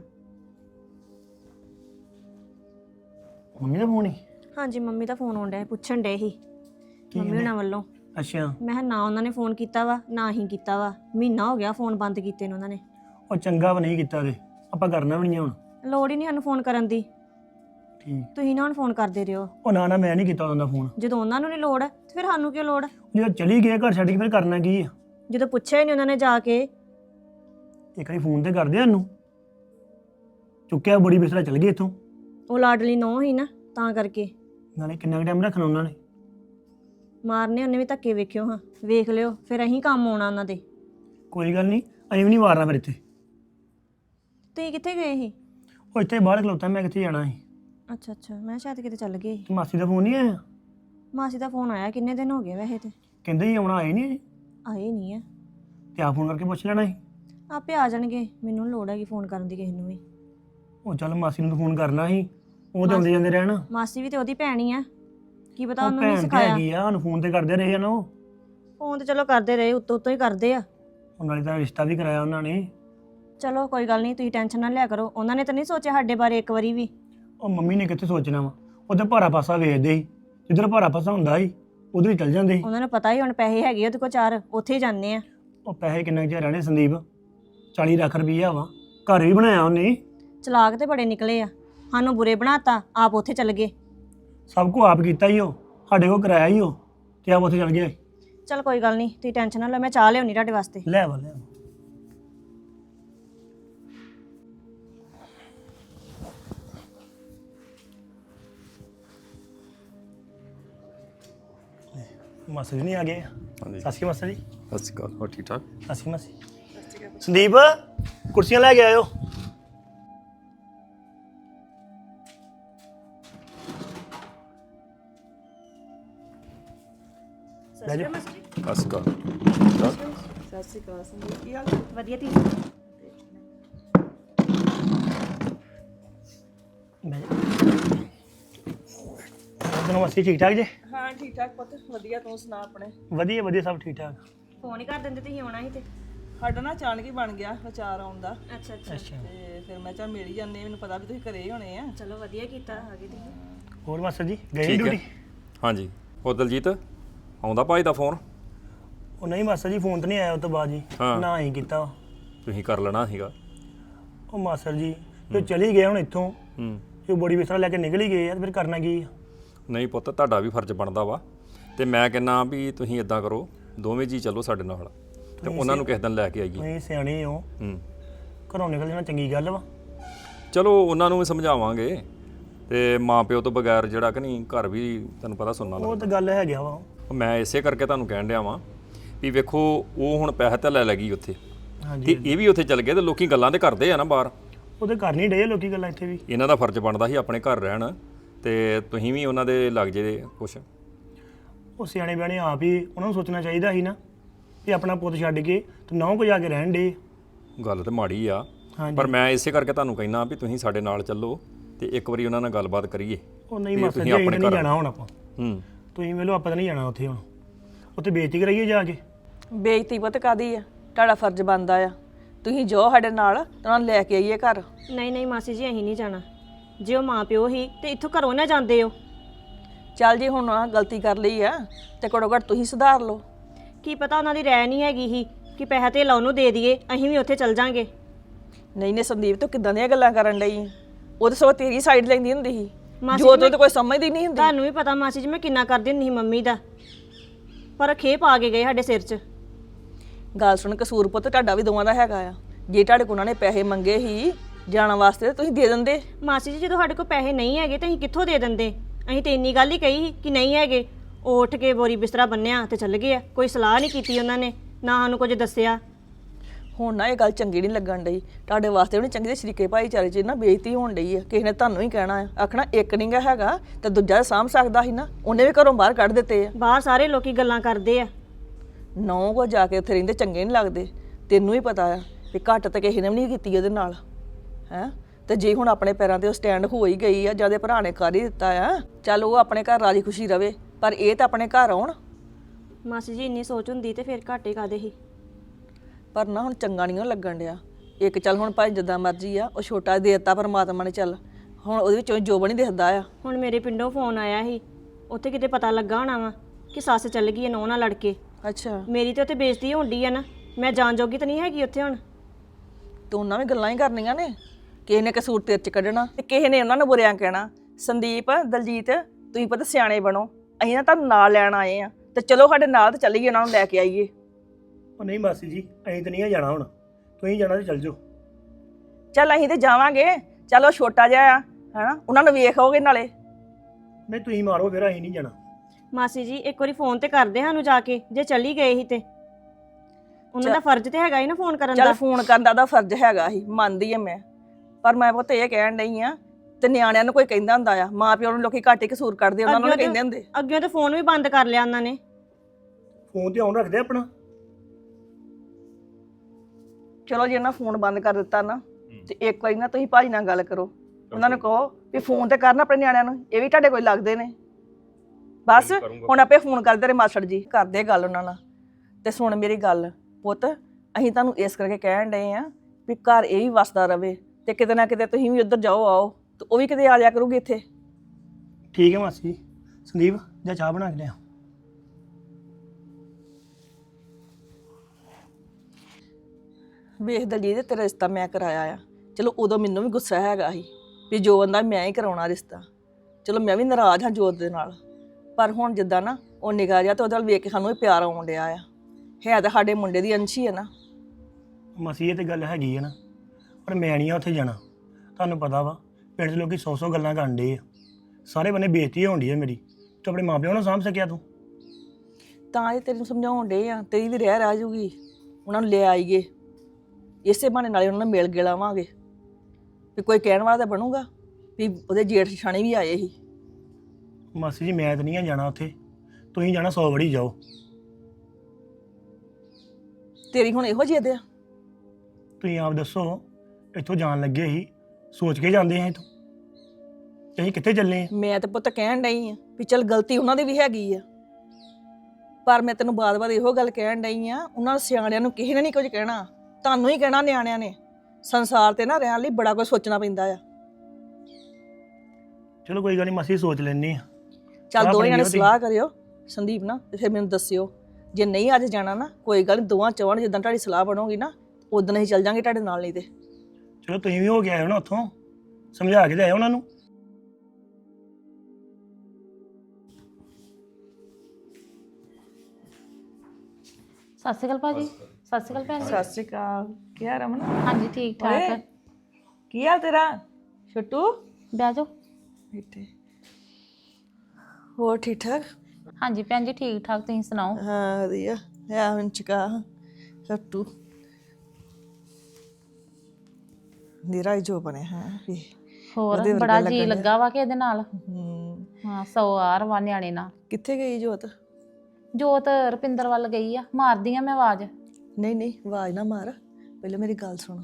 ਮੰਮੀ ਦਾ ਫੋਨ ਹੀ?
ਹਾਂਜੀ ਮੰਮੀ ਦਾ ਫੋਨ ਆਉਣ ਡਿਆ, ਪੁੱਛਣ ਡੇ ਸੀ ਮੰਮੀ ਉਹਨਾਂ ਵੱਲੋਂ।
ਅੱਛਾ,
ਮੈਂ ਕਿਹਾ ਨਾ ਉਹਨਾਂ ਨੇ ਫੋਨ ਕੀਤਾ ਵਾ ਨਾ ਹੀ ਕੀਤਾ ਵਾ, ਮਹੀਨਾ ਹੋ ਗਿਆ ਫੋਨ ਬੰਦ ਕੀਤੇ ਨੂੰ ਉਹਨਾਂ ਨੇ।
ਉਹ ਚੰਗਾ ਵਾ ਨਹੀਂ ਕੀਤਾ ਤੇ ਆਪਾਂ ਕਰਨਾ ਵੀ ਨਹੀਂ ਹੁਣ।
ਲੋੜ ਹੀ ਨਹੀਂ ਸਾਨੂੰ ਫੋਨ ਕਰਨ ਦੀ,
ਠੀਕ।
ਤੁਸੀਂ ਨਾ ਹੁਣ ਫੋਨ ਕਰਦੇ ਰਹੋ।
ਉਹ ਨਾ ਨਾ, ਮੈਂ ਨਹੀਂ ਕੀਤਾ ਉਹਨਾਂ ਦਾ ਫੋਨ।
ਜਦੋਂ ਉਹਨਾਂ ਨੂੰ ਨਹੀਂ ਲੋੜ ਤੇ ਫਿਰ ਸਾਨੂੰ ਕਿਉਂ ਲੋੜ?
ਜਦੋਂ ਚਲੀ ਗਏ ਘਰ ਛੱਡ ਕੇ ਫਿਰ ਕਰਨਾ ਕੀ ਆ?
ਜਦੋਂ ਪੁੱਛਿਆ ਹੀ ਨਹੀਂ ਉਹਨਾਂ ਨੇ ਜਾ ਕੇ।
ਇੱਕ ਵਾਰੀ ਫੋਨ ਤੇ ਕਰਦੇ ਉਹਨੂੰ, ਚੁੱਕਿਆ ਬੜੀ ਬਿਸਰਾ ਚਲ ਗਈ ਇੱਥੋਂ।
ਉਹ ਲਾਡਲੀ ਨੋ ਹੀ ਨਾ, ਤਾਂ ਕਰਕੇ।
ਨਾਲੇ ਕਿੰਨਾ ਟਾਈਮ ਰੱਖਣਾ ਉਹਨਾਂ ਨੇ?
ਮਾਰਨੇ ਉਹਨੇ ਵੀ ਧੱਕੇ, ਵੇਖਿਓ ਹਾਂ, ਵੇਖ ਲਿਓ ਫਿਰ ਅਸੀਂ ਕੰਮ ਆਉਣਾ ਉਹਨਾਂ ਦੇ।
ਕੋਈ ਗੱਲ ਨਹੀਂ, ਅਸੀਂ ਵੀ ਨਹੀਂ ਮਾਰਨਾ ਫਿਰ ਇੱਥੇ।
ਤੁਸੀਂ ਕਿੱਥੇ ਗਏ ਸੀ?
ਉਹ ਇੱਥੇ ਬਾਹਰ ਖਲੋਤਾ, ਮੈਂ ਕਿੱਥੇ ਜਾਣਾ ਸੀ।
ਅੱਛਾ ਅੱਛਾ, ਮੈਂ ਸ਼ਾਇਦ ਕਿਤੇ ਚੱਲ ਗਏ ਸੀ।
ਤੇ ਮਾਸੀ ਦਾ ਫੋਨ ਨਹੀਂ ਆਇਆ?
ਮਾਸੀ ਦਾ ਫੋਨ ਆਇਆ, ਕਿੰਨੇ ਦਿਨ ਹੋ ਗਏ ਵੈਸੇ ਤੇ।
ਕਹਿੰਦੇ ਹੀ ਆਉਣਾ, ਆਏ ਨਹੀਂ ਅਜੇ।
ਆਏ ਨਹੀਂ ਆ।
ਤੇ ਆਪ ਫੋਨ ਕਰਕੇ ਪੁੱਛ ਲੈਣਾ ਸੀ।
ਆਪੇ ਆ ਜਾਣਗੇ, ਮੈਨੂੰ ਨੀ ਲੋੜ ਹੈਗੀ ਫੋਨ ਕਰਨ ਦੀ ਕਿਸੇ ਨੂੰ ਵੀ।
ਉਹ ਚੱਲ ਮਾਸੀ ਨੂੰ ਫੋਨ ਕਰਨਾ ਸੀ, ਉਹ ਤਾਂ ਆਉਂਦੇ ਜਾਂਦੇ ਰਹਿਣ।
ਮਾਸੀ ਵੀ ਤੇ ਉਹਦੀ ਭੈਣ ਹੀ ਆ, ਕੀ ਪਤਾ
ਉਹ
ਉਹਨੂੰ ਨਹੀਂ
ਭੈਣ ਤੇ
ਸਿਖਾਇਆ।
ਹੈਗੀ ਆ, ਉਹਨੂੰ ਫੋਨ ਤੇ ਕਰਦੇ ਰਹੇ ਆ ਨਾ। ਉਹ
ਫੋਨ ਤੇ ਚਲੋ ਕਰਦੇ ਰਹੇ, ਉੱਤੋਂ ਉੱਤੋਂ ਹੀ ਕਰਦੇ ਆ।
ਨਾਲੇ ਤਾਂ ਰਿਸ਼ਤਾ ਵੀ ਕਰਾਇਆ ਉਹਨਾਂ ਨੇ।
ਚਲੋ ਕੋਈ ਗੱਲ ਨਹੀਂ, ਤੁਸੀਂ ਟੈਨਸ਼ਨ ਨਾ ਲਿਆ ਕਰੋ। ਉਹਨਾਂ ਨੇ ਤਾਂ ਨਹੀਂ ਸੋਚਿਆ ਸਾਡੇ ਬਾਰੇ ਇੱਕ ਵਾਰੀ ਵੀ।
ਉਹ ਮੰਮੀ ਨੇ ਕਿੱਥੇ ਸੋਚਣਾ ਵਾ, ਉਹ ਤਾਂ ਭਾਰਾ ਪਾਸਾ ਵੇਚਦੇ ਸੀ, ਜਿੱਧਰ ਭਾਰਾ ਪਾਸਾ ਹੁੰਦਾ ਸੀ ਉਧਰ ਹੀ ਚੱਲ ਜਾਂਦੇ ਸੀ।
ਉਹਨਾਂ ਨੂੰ ਪਤਾ ਹੀ ਹੁਣ ਪੈਸੇ ਹੈਗੇ ਉਹਦੇ ਕੋਲ ਚਾਰ, ਉੱਥੇ ਹੀ ਜਾਂਦੇ ਆ।
ਉਹ ਪੈਸੇ ਕਿੰਨੇ ਚਿਰ ਰਹਿਣੇ ਸੰਦੀਪ? 40 ਲੱਖ ਰੁਪਈਆ ਵਾ, ਘਰ ਵੀ ਬਣਾਇਆ ਉਹਨੇ।
ਚਲਾਕ ਤੇ ਬੜੇ ਨਿਕਲੇ ਆ, ਸਾਨੂੰ ਬੁਰੇ ਬਣਾਤਾ, ਆਪ ਉੱਥੇ ਚੱਲ ਗਏ।
ਸਭ ਕੁਝ ਆਪ ਕੀਤਾ ਹੀ ਉਹ, ਸਾਡੇ ਕੋਲ ਕਰਾਇਆ ਹੀ ਉਹ, ਤੇ ਆਪ ਉੱਥੇ ਚੱਲ ਗਿਆ।
ਚਲ ਕੋਈ ਗੱਲ ਨਹੀਂ, ਤੁਸੀਂ ਟੈਨਸ਼ਨ ਨਾ ਲਓ, ਮੈਂ ਚਾਹ ਲਿਆਉਣੀ ਤੁਹਾਡੇ ਵਾਸਤੇ।
ਲੈ ਵਾ ਲੈ ਵਾ। ਮਾਸੀ ਜੀ ਨਹੀਂ ਆ ਗਏ?
ਹਾਂਜੀ
ਸਤਿ ਸ਼੍ਰੀ ਅਕਾਲ ਮਾਸੀ ਜੀ।
ਸਤਿ ਸ਼੍ਰੀ ਅਕਾਲ, ਹੋਰ ਠੀਕ ਠਾਕ?
ਸਤਿ ਸ਼੍ਰੀ ਅਕਾਲ ਮਾਸੀ। ਸੰਦੀਪ, ਕੁਰਸੀਆਂ ਲੈ ਕੇ ਆਇਓ। ਬਹਿ ਜਾ
ਬਸ ਕਰ
ਵਧੀਆ ਤੀ
ਬਹਿ ਜਾ ਤੁਹਾਨੂੰ ਅਸੀਂ ਠੀਕ ਠਾਕ ਜੇ
ਹਾਂ ਠੀਕ ਠਾਕ ਪੁੱਤ ਵਧੀਆ ਤੂੰ ਸੁਣਾ ਆਪਣੇ
ਵਧੀਆ ਵਧੀਆ ਸਭ ਠੀਕ ਠਾਕ
ਫੋਨ ਹੀ ਕਰ ਦਿੰਦੇ ਤੁਸੀਂ ਆਉਣਾ ਸੀ ਤੇ
ਸਾਡਾ ਨਾ ਅਚਾਨਕ ਹੀ ਬਣ ਗਿਆ ਵਿਚਾਰ ਆਉਣ ਦਾ
ਅੱਛਾ ਅੱਛਾ
ਅੱਛਾ
ਤੇ ਫਿਰ ਮੈਂ ਚੱਲ ਮਿਲ ਹੀ ਜਾਂਦੇ ਮੈਨੂੰ ਪਤਾ ਵੀ ਤੁਸੀਂ ਘਰੇ ਹੀ ਹੋਣੇ ਆ
ਚਲੋ ਵਧੀਆ ਕੀਤਾ ਆ ਗਏ ਤੁਸੀਂ
ਹੋਰ ਮਾਸਟਰ ਜੀ ਗਏ
ਠੀਕ
ਡਿਊਟੀ
ਹੈ ਹਾਂਜੀ ਹੋਰ ਦਲਜੀਤ ਆਉਂਦਾ ਭਾਈ ਦਾ ਫੋਨ
ਉਹ ਨਹੀਂ ਮਾਸਟਰ ਜੀ ਫੋਨ ਤਾਂ ਨਹੀਂ ਆਇਆ ਉਹ ਤੋਂ ਬਾਅਦ ਜੀ
ਹਾਂ।
ਨਾ ਹੀ ਕੀਤਾ
ਤੁਸੀਂ ਕਰ ਲੈਣਾ ਸੀਗਾ
ਉਹ ਮਾਸਟਰ ਜੀ ਜੋ ਚਲੀ ਗਏ ਹੁਣ ਇੱਥੋਂ
ਹੂੰ
ਜੋ ਬੋੜੀ ਬਿਸਤਰਾ ਲੈ ਕੇ ਨਿਕਲ ਹੀ ਗਏ ਆ ਤੇ ਫਿਰ ਕਰਨਾ ਕੀ ਆ
ਨਹੀਂ ਪੁੱਤ ਤੁਹਾਡਾ ਵੀ ਫਰਜ਼ ਬਣਦਾ ਵਾ ਤੇ ਮੈਂ ਕਹਿੰਦਾ ਵੀ ਤੁਸੀਂ ਇਦਾਂ ਕਰੋ ਦੋਵੇਂ ਜੀ ਚੱਲੋ ਸਾਡੇ ਨਾਲ ਤੇ ਉਹਨਾਂ ਨੂੰ ਕਿਸੇ ਦਿਨ ਲੈ ਕੇ ਆਈਏ
ਤੁਸੀਂ ਸਿਆਣੇ ਹੋ
ਹੂੰ
ਘਰੋਂ ਨਿਕਲ ਜਾਣਾ ਚੰਗੀ ਗੱਲ ਵਾ
ਚਲੋ ਉਹਨਾਂ ਨੂੰ ਵੀ ਸਮਝਾਵਾਂਗੇ ਤੇ ਮਾਂ ਪਿਓ ਤੋਂ ਬਗੈਰ ਜਿਹੜਾ ਕਿ ਨਹੀਂ ਘਰ ਵੀ ਤੁਹਾਨੂੰ ਪਤਾ ਸੁਣਨਾ
ਉਹ
ਲੱਗਦਾ
ਤਾਂ ਗੱਲ ਹੈ ਗਿਆ ਵਾ
ਮੈਂ ਇਸੇ ਕਰਕੇ ਤੁਹਾਨੂੰ ਕਹਿਣ ਡਿਆ ਵਾਂ ਵੀ ਵੇਖੋ ਉਹ ਹੁਣ ਪੈਸੇ ਤਾਂ ਲੈ ਗਈ ਉੱਥੇ
ਹਾਂਜੀ
ਤੇ ਇਹ ਵੀ ਉੱਥੇ ਚੱਲ ਗਏ ਤੇ ਲੋਕੀ ਗੱਲਾਂ ਤੇ ਕਰਦੇ ਆ ਨਾ ਬਾਹਰ
ਉਹਦੇ ਘਰ ਨਹੀਂ ਡੇ ਲੋਕੀ ਗੱਲਾਂ ਇੱਥੇ ਵੀ
ਇਹਨਾਂ ਦਾ ਫਰਜ਼ ਬਣਦਾ ਸੀ ਆਪਣੇ ਘਰ ਰਹਿਣ ਤੇ ਤੁਸੀਂ ਵੀ ਉਹਨਾਂ ਦੇ ਲੱਗ ਜੇ ਕੁਛ
ਉਹ ਸਿਆਣੇ ਬਿਆਣੇ ਆਪ ਹੀ ਉਹਨਾਂ ਨੂੰ ਸੋਚਣਾ ਚਾਹੀਦਾ ਸੀ ਨਾ ਵੀ ਆਪਣਾ ਪੁੱਤ ਛੱਡ ਕੇ ਤੇ ਨੌ ਕੋ ਜਾ ਕੇ ਰਹਿਣ ਡੇ
ਗੱਲ ਤੇ ਮਾੜੀ ਆ
ਹਾਂਜੀ
ਪਰ ਮੈਂ ਇਸੇ ਕਰਕੇ ਤੁਹਾਨੂੰ ਕਹਿਣਾ ਵੀ ਤੁਸੀਂ ਸਾਡੇ ਨਾਲ ਚੱਲੋ ਤੇ ਇੱਕ ਵਾਰੀ ਉਹਨਾਂ ਨਾਲ ਗੱਲਬਾਤ ਕਰੀਏ
ਉਹ ਨਹੀਂ
ਵੀ
ਮਾਸਟਰ
ਤੁਸੀਂ
ਜੀ ਅਸੀਂ
ਆਪਣੇ
ਤਾਂ ਨਹੀਂ
ਘਰ-
ਜਾਣਾ ਹੁਣ ਆਪਾਂ
ਹੂੰ
ਤੁਸੀਂ ਵੇਲੋ ਆਪਾਂ ਤਾਂ ਨਹੀਂ ਜਾਣਾ ਉੱਥੇ ਹੁਣ ਉੱਥੇ ਬੇਇੱਜ਼ਤੀ ਕਰਾਈਏ ਜਾ ਕੇ
ਬੇਇੱਜ਼ਤੀ ਪੁੱਤ ਕਾਦੀ ਆ ਤੁਹਾਡਾ ਫਰਜ਼ ਬਣਦਾ ਆ ਤੁਸੀਂ ਜੋ ਸਾਡੇ ਨਾਲ ਤੇ ਉਹਨਾਂ ਨੂੰ ਲੈ ਕੇ ਆਈਏ ਘਰ
ਨਹੀਂ ਨਹੀਂ ਮਾਸੀ ਜੀ ਅਸੀਂ ਨਹੀਂ ਜਾਣਾ ਜੇ ਉਹ ਮਾਂ ਪਿਓ ਹੀ ਤੇ ਇੱਥੋਂ ਘਰੋਂ ਨਾ ਜਾਂਦੇ ਹੋ
ਚੱਲ ਜੀ ਹੁਣ ਉਹਨਾਂ ਗਲਤੀ ਕਰ ਲਈ ਆ ਤੇ ਘੱਟੋ ਘੱਟ ਤੁਸੀਂ ਸੁਧਾਰ ਲਓ
ਕੀ ਪਤਾ ਉਹਨਾਂ ਦੀ ਰਾਇ ਨਹੀਂ ਹੈਗੀ ਹੀ ਕਿ ਪੈਸਾ ਤੇ ਉਹਨੂੰ ਦੇ ਦਈਏ ਅਸੀਂ ਵੀ ਉੱਥੇ ਚੱਲ ਜਾਾਂਗੇ
ਨਹੀਂ ਨਹੀਂ ਸੰਦੀਪ ਤੂੰ ਕਿੱਦਾਂ ਦੀਆਂ ਗੱਲਾਂ ਕਰਨ ਡਈ ਆ ਉਹ ਤਾਂ ਸਗੋਂ ਤੇਰੀ ਸਾਈਡ ਲੈਂਦੀ ਹੁੰਦੀ ਸੀ
ਮਾਸੀ
ਜੋ
ਜੀ
ਤੂੰ ਤਾਂ ਕੋਈ ਸਮਝਦੀ ਨਹੀਂ ਹੁੰਦੀ
ਤੁਹਾਨੂੰ ਵੀ ਪਤਾ ਮਾਸੀ ਜੀ ਮੈਂ ਕਿੰਨਾ ਕਰਦੀ ਹੁੰਦੀ ਸੀ ਮੰਮੀ ਦਾ ਪਰ ਖੇ ਪਾ ਕੇ ਗਏ ਸਾਡੇ ਸਿਰ 'ਚ
ਗੱਲ ਸੁਣ ਕਸੂਰ ਪੁੱਤ ਤੁਹਾਡਾ ਵੀ ਦੋਵਾਂ ਦਾ ਹੈਗਾ ਆ ਜੇ ਤੁਹਾਡੇ ਕੋਲ ਉਹਨਾਂ ਨੇ ਪੈਸੇ ਮੰਗੇ ਹੀ ਜਾਣ ਵਾਸਤੇ ਤਾਂ ਤੁਸੀਂ ਦੇ ਦਿੰਦੇ
ਮਾਸੀ ਜੀ ਜਦੋਂ ਸਾਡੇ ਕੋਲ ਪੈਸੇ ਨਹੀਂ ਹੈਗੇ ਤਾਂ ਅਸੀਂ ਕਿੱਥੋਂ ਦੇ ਦਿੰਦੇ ਅਸੀਂ ਤੇ ਇੰਨੀ ਗੱਲ ਹੀ ਕਹੀ ਸੀ ਕਿ ਨਹੀਂ ਹੈਗੇ ਉਹ ਉੱਠ ਕੇ ਬੋਰੀ ਬਿਸਤਰਾ ਬੰਨਿਆ ਤੇ ਚੱਲ ਗਏ ਆ ਕੋਈ ਸਲਾਹ ਨਹੀਂ ਕੀਤੀ ਉਹਨਾਂ ਨੇ ਨਾ ਸਾਨੂੰ ਕੁਝ ਦੱਸਿਆ
ਹੁਣ ਨਾ ਇਹ ਗੱਲ ਚੰਗੀ ਨਹੀਂ ਲੱਗਣ ਡਈ ਤੁਹਾਡੇ ਵਾਸਤੇ ਉਹਨੇ ਚੰਗੇ ਦੇ ਸ਼ਰੀਕੇ ਭਾਈਚਾਰੇ 'ਚ ਨਾ ਬੇਇੱਜ਼ਤੀ ਹੋਣ ਡਈ ਆ ਕਿਸੇ ਨੇ ਤੁਹਾਨੂੰ ਹੀ ਕਹਿਣਾ ਆ ਆਖਣਾ ਇੱਕ ਨਹੀਂ ਗਾ ਹੈਗਾ ਤੇ ਦੂਜਾ ਸਾਂਭ ਸਕਦਾ ਸੀ ਨਾ ਉਹਨੇ ਵੀ ਘਰੋਂ ਬਾਹਰ ਕੱਢ ਦਿੱਤੇ ਆ
ਬਾਹਰ ਸਾਰੇ ਲੋਕੀ ਗੱਲਾਂ ਕਰਦੇ ਆ
ਨੌ ਕੋ ਜਾ ਕੇ ਉੱਥੇ ਰਹਿੰਦੇ ਚੰਗੇ ਨਹੀਂ ਲੱਗਦੇ ਤੈਨੂੰ ਹੀ ਪਤਾ ਆ ਵੀ ਘੱਟ ਤੇ ਕਿਸੇ ਨੇ ਵੀ ਨਹੀਂ ਕੀਤੀ ਉਹਦੇ ਨਾਲ ਹੈ ਤੇ ਜੇ ਹੁਣ ਆਪਣੇ ਪੈਰਾਂ ਤੇ ਉਹ ਸਟੈਂਡ ਹੋ ਹੀ ਗਈ ਆ ਜਦ ਇਹ ਭਰਾ ਨੇ ਕਰ ਹੀ ਦਿੱਤਾ ਆ ਚੱਲ ਉਹ ਆਪਣੇ ਘਰ ਰਾਜੀ ਖੁਸ਼ੀ ਰਵੇ ਪਰ ਇਹ ਤਾਂ ਆਪਣੇ ਘਰ ਆਉਣ
ਮਾਸੀ ਜੀ ਇੰਨੀ ਸੋਚ ਹੁੰਦੀ ਤੇ ਫਿਰ ਘਾਟੇ ਕਾਦੇ ਸੀ
ਪਰ ਨਾ ਹੁਣ ਚੰਗਾ ਨਹੀਂ ਲੱਗਣ ਡਿਆ ਇੱਕ ਚੱਲ ਹੁਣ ਭਾਈ ਜਿੱਦਾਂ ਮਰਜ਼ੀ ਆ ਉਹ ਛੋਟਾ ਦੇ ਦਿੱਤਾ ਪਰਮਾਤਮਾ ਨੇ ਚੱਲ ਹੁਣ ਉਹਦੇ ਵਿੱਚੋਂ ਜੋਬਨ ਹੀ ਦਿਖਦਾ ਆ
ਹੁਣ ਮੇਰੇ ਪਿੰਡੋਂ ਫੋਨ ਆਇਆ ਸੀ ਉੱਥੇ ਕਿਤੇ ਪਤਾ ਲੱਗਾ ਹੋਣਾ ਵਾ ਕਿ ਸੱਸ ਚੱਲ ਗਈ ਹੈ ਨੌਂ ਨਾਲ ਲੜ ਕੇ
ਅੱਛਾ
ਮੇਰੀ ਤੇ ਉੱਥੇ ਬੇਇੱਜ਼ਤੀ ਹੁੰਦੀ ਆ ਨਾ ਮੈਂ ਜਾਣ ਜੋਗੀ ਤਾਂ ਨਹੀਂ ਹੈਗੀ ਉੱਥੇ ਹੁਣ
ਤੂੰ ਉਹਨਾਂ ਵੀ ਗੱਲਾਂ ਹੀ ਕਰਨੀਆਂ ਨੇ ਕਿਸੇ ਨੇ ਕਸੂਰ ਤੇਰੇ ਚ ਕੱਢਣਾ ਤੇ ਕਿਸੇ ਨੇ ਉਹਨਾਂ ਨੂੰ ਬੁਰਿਆਂ ਕਹਿਣਾ ਸੰਦੀਪ ਦਲਜੀਤ ਤੁਸੀਂ ਪਤਾ ਸਿਆਣੇ ਬਣੋ ਅਸੀਂ ਨਾ ਤੁਹਾਨੂੰ ਨਾਲ ਲੈਣ ਆਏ ਆ ਤੇ ਚਲੋ ਸਾਡੇ ਨਾਲ ਤੇ ਚੱਲੀਏ ਉਹਨਾਂ ਨੂੰ ਲੈ ਕੇ ਆਈਏ
ਉਹ ਨਹੀਂ ਮਾਸੀ ਜੀ ਅਸੀਂ ਤਾਂ ਨਹੀਂ ਜਾਣਾ ਹੁਣ ਤੁਸੀਂ ਜਾਣਾ ਤੇ ਚੱਲ ਜਾਓ
ਚੱਲ ਅਸੀਂ ਤੇ ਜਾਵਾਂਗੇ ਚਲੋ ਛੋਟਾ ਜਿਹਾ ਆ ਹੈਨਾ ਉਹਨਾਂ ਨੂੰ ਵੇਖ ਆਓਗੇ ਨਾਲੇ
ਨਹੀਂ ਤੁਸੀਂ ਮਾਰੋ ਫਿਰ ਅਸੀਂ ਨਹੀਂ ਜਾਣਾ
ਮਾਸੀ ਜੀ ਇੱਕ ਵਾਰੀ ਫੋਨ ਤੇ ਕਰਦੇ ਸਾਨੂੰ ਜਾ ਕੇ ਜੇ ਚੱਲੀ ਗਏ ਸੀ ਤੇ ਉਹਨਾਂ ਦਾ ਫਰਜ਼ ਤੇ ਹੈਗਾ ਹੀ ਨਾ ਫੋਨ ਕਰਨ
ਚੱਲ
ਦਾ
ਫੋਨ ਕਰਨ ਦਾ ਫਰਜ਼ ਹੈਗਾ ਹੀ ਮੰਨਦੀ ਐ ਮੈਂ ਪਰ ਮੈਂ ਪੁੱਤ ਇਹ ਕਹਿਣ ਡਈ ਆ ਤੇ ਨਿਆਣਿਆਂ ਨੂੰ ਕੋਈ ਕਹਿੰਦਾ ਹੁੰਦਾ ਆ ਮਾਂ ਪਿਓ ਨੂੰ ਲੋਕੀ ਘੱਟ ਹੀ ਕਸੂਰ ਕੱਢਦੇ ਉਹਨਾਂ ਨੂੰ ਨੀ ਕਹਿੰਦੇ ਹੁੰਦੇ
ਅੱਗੇ ਤੇ ਫੋਨ ਵੀ ਬੰਦ ਕਰ ਲਿਆ ਉਹਨਾਂ ਨੇ
ਫੋਨ ਤੇ ਆਨ ਰੱਖਦੇ ਆਪਣਾ
ਚਲੋ ਜੇ ਇਹਨਾਂ ਫੋਨ ਬੰਦ ਕਰ ਦਿੱਤਾ ਨਾ ਤੇ ਇੱਕ ਵਾਰੀ ਨਾ ਤੁਸੀਂ ਭਾਜੀ ਨਾਲ ਗੱਲ ਕਰੋ ਉਹਨਾਂ ਨੂੰ ਕਹੋ ਵੀ ਫੋਨ ਤੇ ਕਰਨ ਆਪਣੇ ਨਿਆਣਿਆਂ ਨੂੰ ਇਹ ਵੀ ਤੁਹਾਡੇ ਕੋਈ ਲੱਗਦੇ ਨੇ ਬਸ ਹੁਣ ਆਪੇ ਫੋਨ ਕਰਦੇ ਰਹੇ ਮਾਸੜ ਜੀ ਕਰਦੇ ਗੱਲ ਉਹਨਾਂ ਨਾਲ ਤੇ ਸੁਣ ਮੇਰੀ ਗੱਲ ਪੁੱਤ ਅਸੀਂ ਤੁਹਾਨੂੰ ਇਸ ਕਰਕੇ ਕਹਿਣ ਡਏ ਆ ਵੀ ਘਰ ਇਹ ਵੀ ਵਸਦਾ ਰਵੇ ਤੇ ਕਿਤੇ ਨਾ ਕਿਤੇ ਤੁਸੀਂ ਵੀ ਉੱਧਰ ਜਾਓ ਆਓ ਤੇ ਉਹ ਵੀ ਕਿਤੇ ਆ ਲਿਆ ਕਰੂਗੀ ਇੱਥੇ
ਠੀਕ ਹੈ ਮਾਸੀ ਜੀ ਸੰਦੀਪ ਜਾਂ ਚਾਹ ਬਣਾ ਕੇ ਲਿਆ
ਵੇਖ ਦਲਜੀਤ ਤੇਰਾ ਰਿਸ਼ਤਾ ਮੈਂ ਕਰਾਇਆ ਆ ਚਲੋ ਉਦੋਂ ਮੈਨੂੰ ਵੀ ਗੁੱਸਾ ਹੈਗਾ ਸੀ ਵੀ ਜੋ ਬੰਦਾ ਮੈਂ ਹੀ ਕਰਾਉਣਾ ਰਿਸ਼ਤਾ ਚਲੋ ਮੈਂ ਵੀ ਨਾਰਾਜ਼ ਹਾਂ ਜੋਤ ਦੇ ਨਾਲ ਪਰ ਹੁਣ ਜਿੱਦਾਂ ਨਾ ਉਹ ਨਿਗਾਹ ਜਿਹਾ ਤੇ ਉਹਦੇ ਨਾਲ ਵੇਖ ਕੇ ਸਾਨੂੰ ਵੀ ਪਿਆਰ ਆਉਣ ਡਿਆ ਆ ਹੈ ਤਾਂ ਸਾਡੇ ਮੁੰਡੇ ਦੀ ਅੰਸ਼ੀ ਹੈ ਨਾ
ਮਾਸੀ ਇਹ ਤੇ ਗੱਲ ਹੈਗੀ ਹੈ ਨਾ ਪਰ ਮੈਂ ਨਹੀਂ ਆ ਉੱਥੇ ਜਾਣਾ ਤੁਹਾਨੂੰ ਪਤਾ ਵਾ ਪਿੰਡ 'ਚ ਲੋਕੀ 100 ਗੱਲਾਂ ਕਰਨ ਡੇ ਆ ਸਾਰੇ ਬੰਨੇ ਬੇਇੱਜ਼ਤੀ ਹੋਣ ਡਈ ਆ ਮੇਰੀ ਤੂੰ ਆਪਣੇ ਮਾਪਿਆਂ ਨੂੰ ਸਾਂਭ ਸਕਿਆ ਤੂੰ
ਤਾਂ ਇਹ ਤੈਨੂੰ ਸਮਝਾਉਣ ਡੇ ਆ ਤੇਰੀ ਵੀ ਰਹਿ ਜੂਗੀ ਉਹਨਾਂ ਨੂੰ ਲੈ ਆਈਏ ਇਸੇ ਬਹਾਨੇ ਨਾਲੇ ਉਹਨਾਂ ਨੂੰ ਮਿਲ ਕੇ ਲਾਵਾਂਗੇ ਵੀ ਕੋਈ ਕਹਿਣ ਵਾਲਾ ਤਾਂ ਬਣੂਗਾ ਵੀ ਉਹਦੇ ਜੇਠ ਛਾਣੇ ਵੀ ਆਏ ਸੀ
ਮਾਸੀ ਜੀ ਮੈਂ ਤਾਂ ਨਹੀਂ ਆ ਜਾਣਾ ਉੱਥੇ ਤੁਸੀਂ ਜਾਣਾ 100 ਵੜੀ ਜਾਓ
ਤੇਰੀ ਹੁਣ ਇਹੋ ਜਿੱਦ ਆ।
ਤੁਸੀਂ ਆਪ ਦੱਸੋ, ਇੱਥੋਂ ਜਾਣ ਲੱਗੇ ਸੀ ਸੋਚ ਕੇ ਜਾਂਦੇ ਆ ਇੱਥੋਂ, ਤੇ ਅਸੀਂ ਕਿੱਥੇ ਚੱਲੇ ਆ?
ਮੈਂ ਤੇ ਪੁੱਤ ਕਹਿਣ ਡਈ ਆ ਵੀ ਚੱਲ ਗਲਤੀ ਉਹਨਾਂ ਦੀ ਵੀ ਹੈਗੀ ਆ, ਪਰ ਮੈਂ ਤੈਨੂੰ ਬਾਰ-ਬਾਰ ਇਹੋ ਗੱਲ ਕਹਿਣ ਡਈ ਆ, ਉਹਨਾਂ ਸਿਆਣਿਆਂ ਨੂੰ ਕਿਸੇ ਨੇ ਨਹੀਂ ਕੁਝ ਕਹਿਣਾ, ਤੁਹਾਨੂੰ ਹੀ ਕਹਿਣਾ ਨਿਆਣਿਆਂ ਨੇ। ਸੰਸਾਰ ਤੇ ਨਾ ਰਹਿਣ ਲਈ ਬੜਾ ਕੁਝ ਸੋਚਣਾ ਪੈਂਦਾ ਆ।
ਚਲੋ ਕੋਈ ਗੱਲ ਨਹੀਂ ਮਾਸੀ, ਸੋਚ ਲੈਣੇ ਆ।
ਚੱਲ
ਸਲਾਹ
ਦੋਵੇਂ
ਬਣੀ
ਜਣੇ
ਉਹਦੀ।
ਸਲਾਹ ਕਰਿਓ ਸੰਦੀਪ ਨਾ, ਤੇ ਫਿਰ ਮੈਨੂੰ ਦੱਸਿਓ। ਜੇ ਨਹੀਂ ਅੱਜ ਜਾਣਾ ਨਾ ਕੋਈ ਗੱਲ ਨੀ, ਦੋਵਾਂ ਚੋਂ ਜਿੱਦਾਂ ਤੁਹਾਡੀ ਸਲਾਹ ਬਣੋਗੀ ਨਾ ਉਦੋਂ ਅਸੀਂ ਚੱਲ ਜਾਾਂਗੇ ਤੁਹਾਡੇ ਨਾਲ। ਨਹੀਂ ਤੇ
ਚਲੋ ਤੁਸੀਂ ਵੀ ਹੋ ਕੇ ਆਇਓ ਨਾ ਉੱਥੋਂ, ਸਮਝਾ ਕੇ ਜਾਇਓ ਉਹਨਾਂ ਨੂੰ।
ਸਤਿ ਸ਼੍ਰੀ ਅਕਾਲ ਭਾਜੀ। ਸਤਿ ਸ਼੍ਰੀ ਅਕਾਲ ਭੈਣ ਜੀ।
ਸਤਿ ਸ਼੍ਰੀ ਅਕਾਲ। ਕੀ ਹਾਲ ਰਮਨ?
ਹਾਂਜੀ ਠੀਕ ਠਾਕ
ਓਏ, ਕੀ ਹਾਲ ਤੇਰਾ ਛੋਟੂ?
ਬਹਿ ਜਾਓ।
ਇੱਥੇ ਹੋਰ ਠੀਕ ਠਾਕ?
ਹਾਂਜੀ ਭੈਣ ਜੀ ਠੀਕ ਠਾਕ, ਤੁਸੀਂ ਸੁਣਾਓ?
ਹਾਂ ਵਧੀਆ ਹੈ ਹੁਣ ਚਕਾ ਛੋਟੂ ਨਿਰਾ ਹੀ ਜੋ ਬਣੇ ਹੈ ਵੀ
ਹੋਰ
ਉਹਦੇ ਵਰਗਾ
ਬੜਾ ਜੀ
ਲੱਗਣ
ਲੱਗਾ ਵਾ ਕਿ ਇਹਦੇ ਨਾਲ।
ਹੂੰ।
ਹਾਂ 100 ਆਰ ਵਾ ਨਿਆਣੇ ਨਾਲ।
ਕਿੱਥੇ ਗਈ ਜੋਤ?
ਜੋਤ ਰੁਪਿੰਦਰ ਵੱਲ ਗਈ ਆ, ਮਾਰਦੀ ਆ ਮੈਂ ਆਵਾਜ਼।
ਨਹੀਂ ਨਹੀਂ ਆਵਾਜ਼ ਨਾ ਮਾਰ, ਪਹਿਲੇ ਮੇਰੀ ਗੱਲ ਸੁਣ।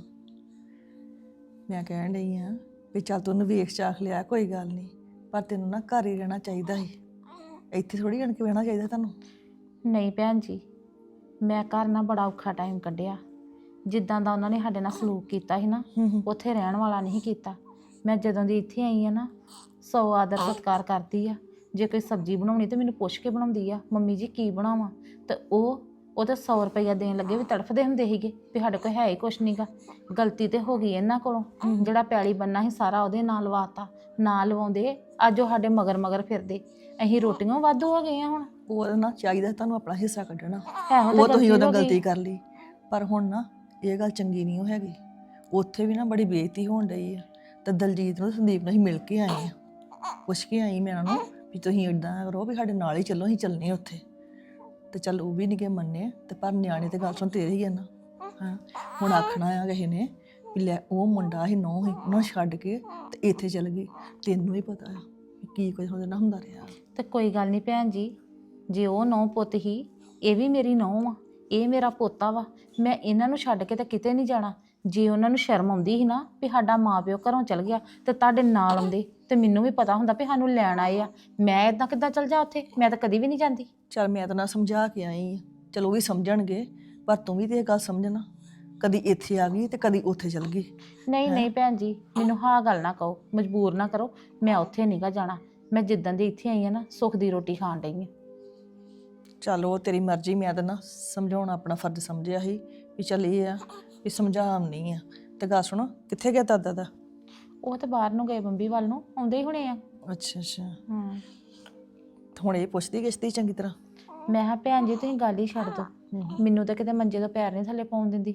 ਮੈਂ ਕਹਿਣ ਡਈ ਆ ਵੀ ਚੱਲ ਤੂੰ ਉਹਨੂੰ ਵੇਖ ਚਾਖ ਲਿਆ, ਕੋਈ ਗੱਲ ਨਹੀਂ, ਪਰ ਤੈਨੂੰ ਨਾ ਘਰ ਹੀ ਰਹਿਣਾ ਚਾਹੀਦਾ ਸੀ, ਇੱਥੇ ਥੋੜੀ ਆਣ ਕੇ ਬਹਿਣਾ ਚਾਹੀਦਾ ਤੁਹਾਨੂੰ।
ਨਹੀਂ ਭੈਣ ਜੀ, ਮੈਂ ਘਰ ਨਾ ਬੜਾ ਔਖਾ ਟਾਈਮ ਕੱਢਿਆ। ਜਿੱਦਾਂ ਦਾ ਉਹਨਾਂ ਨੇ ਸਾਡੇ ਨਾਲ ਸਲੂਕ ਕੀਤਾ ਸੀ ਨਾ, ਉੱਥੇ ਰਹਿਣ ਵਾਲਾ ਨਹੀਂ ਕੀਤਾ। ਮੈਂ ਜਦੋਂ ਦੀ ਇੱਥੇ ਆਈ ਆ ਨਾ 100 ਆਦਰ ਸਤਿਕਾਰ ਕਰਦੀ ਆ। ਜੇ ਕੋਈ ਸਬਜ਼ੀ ਬਣਾਉਣੀ ਤੇ ਮੈਨੂੰ ਪੁੱਛ ਕੇ ਬਣਾਉਂਦੀ ਆ, ਮੰਮੀ ਜੀ ਕੀ ਬਣਾਵਾਂ, ਤੇ ਉਹ ਤਾਂ 100 ਰੁਪਈਆ ਦੇਣ ਲੱਗੇ ਵੀ ਤੜਫਦੇ ਹੁੰਦੇ ਸੀਗੇ ਵੀ ਸਾਡੇ ਕੋਲ ਹੈ ਹੀ ਕੁਛ ਨਹੀਂਗਾ। ਗਲਤੀ ਤੇ ਹੋ ਗਈ ਇਹਨਾਂ ਕੋਲੋਂ, ਜਿਹੜਾ ਪੈਲੀ ਬੰਨਾ ਸੀ ਸਾਰਾ ਉਹਦੇ ਨਾਲ ਲਵਾਤਾ। ਨਾ ਲਵਾਉਂਦੇ ਅੱਜ ਉਹ ਸਾਡੇ ਮਗਰ ਮਗਰ ਫਿਰਦੇ, ਅਸੀਂ ਰੋਟੀਆਂ ਵਾਧੂ ਹੋ ਗਏ ਆ ਹੁਣ।
ਉਹ ਨਾ ਚਾਹੀਦਾ ਤੁਹਾਨੂੰ ਆਪਣਾ ਹਿੱਸਾ ਕੱਢਣਾ,
ਇਹੋ ਤਾਂ
ਉਹ ਤੁਸੀਂ ਉਦੋਂ
ਹੋ ਗਈ।
ਗਲਤੀ ਕਰ ਲਈ, ਪਰ ਹੁਣ ਨਾ ਇਹ ਗੱਲ ਚੰਗੀ ਨਹੀਂ ਉਹ ਹੈਗੀ। ਉੱਥੇ ਵੀ ਨਾ ਬੜੀ ਬੇਇੱਜ਼ਤੀ ਹੋਣ ਡਈ ਆ, ਤੇ ਦਲਜੀਤ ਨੂੰ ਸੰਦੀਪ ਨੂੰ ਅਸੀਂ ਮਿਲ ਕੇ ਆਏ ਆ, ਪੁੱਛ ਕੇ ਆਈ ਮੈਂ ਉਹਨਾਂ ਨੂੰ ਵੀ ਤੁਸੀਂ ਇੱਦਾਂ ਕਰੋ ਵੀ ਸਾਡੇ ਨਾਲ ਹੀ ਚੱਲੋ, ਅਸੀਂ ਚੱਲਨੇ ਉੱਥੇ। ਤੇ ਚੱਲ ਉਹ ਵੀ ਨਹੀਂ ਕਿ ਮੰਨੇ, ਤੇ ਪਰ ਨਿਆਣੇ ਤੇ ਗੱਲ ਸੁਣ ਤੇਰੇ ਹੀ ਆ ਨਾ। ਹਾਂ ਹੁਣ ਆਖਣਾ ਆ ਕਿਸੇ ਨੇ ਵੀ ਲੈ ਉਹ ਮੁੰਡਾ ਹੀ ਨੌ ਹੀ ਉਹਨੂੰ ਛੱਡ ਕੇ ਤੇ ਇੱਥੇ ਚੱਲ ਗਈ, ਤੈਨੂੰ ਹੀ ਪਤਾ ਆ ਵੀ ਕੀ ਕੁਝ ਉਹਦੇ ਨਾਲ ਹੁੰਦਾ ਰਿਹਾ।
ਤੇ ਕੋਈ ਗੱਲ ਨਹੀਂ ਭੈਣ ਜੀ, ਜੇ ਉਹ ਨੌ ਪੁੱਤ ਹੀ, ਇਹ ਵੀ ਮੇਰੀ ਨੌ ਆ, ਇਹ ਮੇਰਾ ਪੋਤਾ ਵਾ। ਮੈਂ ਇਹਨਾਂ ਨੂੰ ਛੱਡ ਕੇ ਤਾਂ ਕਿਤੇ ਨਹੀਂ ਜਾਣਾ। ਜੇ ਉਹਨਾਂ ਨੂੰ ਸ਼ਰਮ ਆਉਂਦੀ ਸੀ ਨਾ ਵੀ ਸਾਡਾ ਮਾਂ ਪਿਓ ਘਰੋਂ ਚਲ ਗਿਆ, ਤੇ ਤੁਹਾਡੇ ਨਾਲ ਆਉਂਦੇ, ਤੇ ਮੈਨੂੰ ਵੀ ਪਤਾ ਹੁੰਦਾ ਵੀ ਸਾਨੂੰ ਲੈਣ ਆਏ ਆ। ਮੈਂ ਇਦਾਂ ਕਿੱਦਾਂ ਚਲ ਜਾ ਉੱਥੇ? ਮੈਂ ਤਾਂ ਕਦੀ ਵੀ ਨਹੀਂ ਜਾਂਦੀ।
ਚੱਲ ਮੈਂ ਤਾਂ ਨਾ ਸਮਝਾ ਕੇ ਆਈ ਆ, ਚਲੋ ਉਹ ਵੀ ਸਮਝਣਗੇ, ਪਰ ਤੂੰ ਵੀ ਤੇ ਇਹ ਗੱਲ ਸਮਝਣਾ, ਕਦੀ ਇੱਥੇ ਆ ਗਈ ਤੇ ਕਦੀ ਉੱਥੇ ਚਲ ਗਈ।
ਨਹੀਂ ਨਹੀਂ ਭੈਣ ਜੀ, ਮੈਨੂੰ ਹਾਂ ਗੱਲ ਨਾ ਕਹੋ, ਮਜਬੂਰ ਨਾ ਕਰੋ। ਮੈਂ ਉੱਥੇ ਨਹੀਂਗਾ ਜਾਣਾ। ਮੈਂ ਜਿੱਦਾਂ ਦੀ ਇੱਥੇ ਆਈ ਆ ਨਾ, ਸੁੱਖ ਦੀ ਰੋਟੀ ਖਾਣ ਡਈ ਆ।
ਚੱਲ ਉਹ ਤੇਰੀ ਮਰਜ਼ੀ, ਮੈਂ ਤਾਂ ਨਾ ਸਮਝਾਉਣਾ ਆਪਣਾ ਫਰਜ਼ ਸਮਝਿਆ ਸੀ ਵੀ ਚੱਲ ਇਹ ਆ ਵੀ ਸਮਝਾਉਣੀ ਆ। ਤੇ ਗੱਲ ਸੁਣੋ, ਕਿੱਥੇ ਗਿਆ ਦਾਦਾ ਦਾ?
ਉਹ ਤਾਂ ਬਾਹਰ ਨੂੰ ਗਏ, ਬੰਬੀ ਵੱਲ ਨੂੰ ਆਉਂਦੇ ਹੀ ਹੋਣੇ ਆ।
ਅੱਛਾ ਅੱਛਾ।
ਹਾਂ
ਹੁਣ ਇਹ ਪੁੱਛਦੀ ਕਿਸ਼ਤੀ ਚੰਗੀ ਤਰ੍ਹਾਂ?
ਮੈਂ ਕਿਹਾ ਭੈਣ ਜੀ ਤੁਸੀਂ ਗੱਲ ਹੀ ਛੱਡ ਦਿਓ, ਮੈਨੂੰ ਤਾਂ ਕਿਤੇ ਮੰਜੇ ਤੋਂ ਪੈਰ ਨਹੀਂ ਥੱਲੇ ਪਾਉਣ ਦਿੰਦੀ।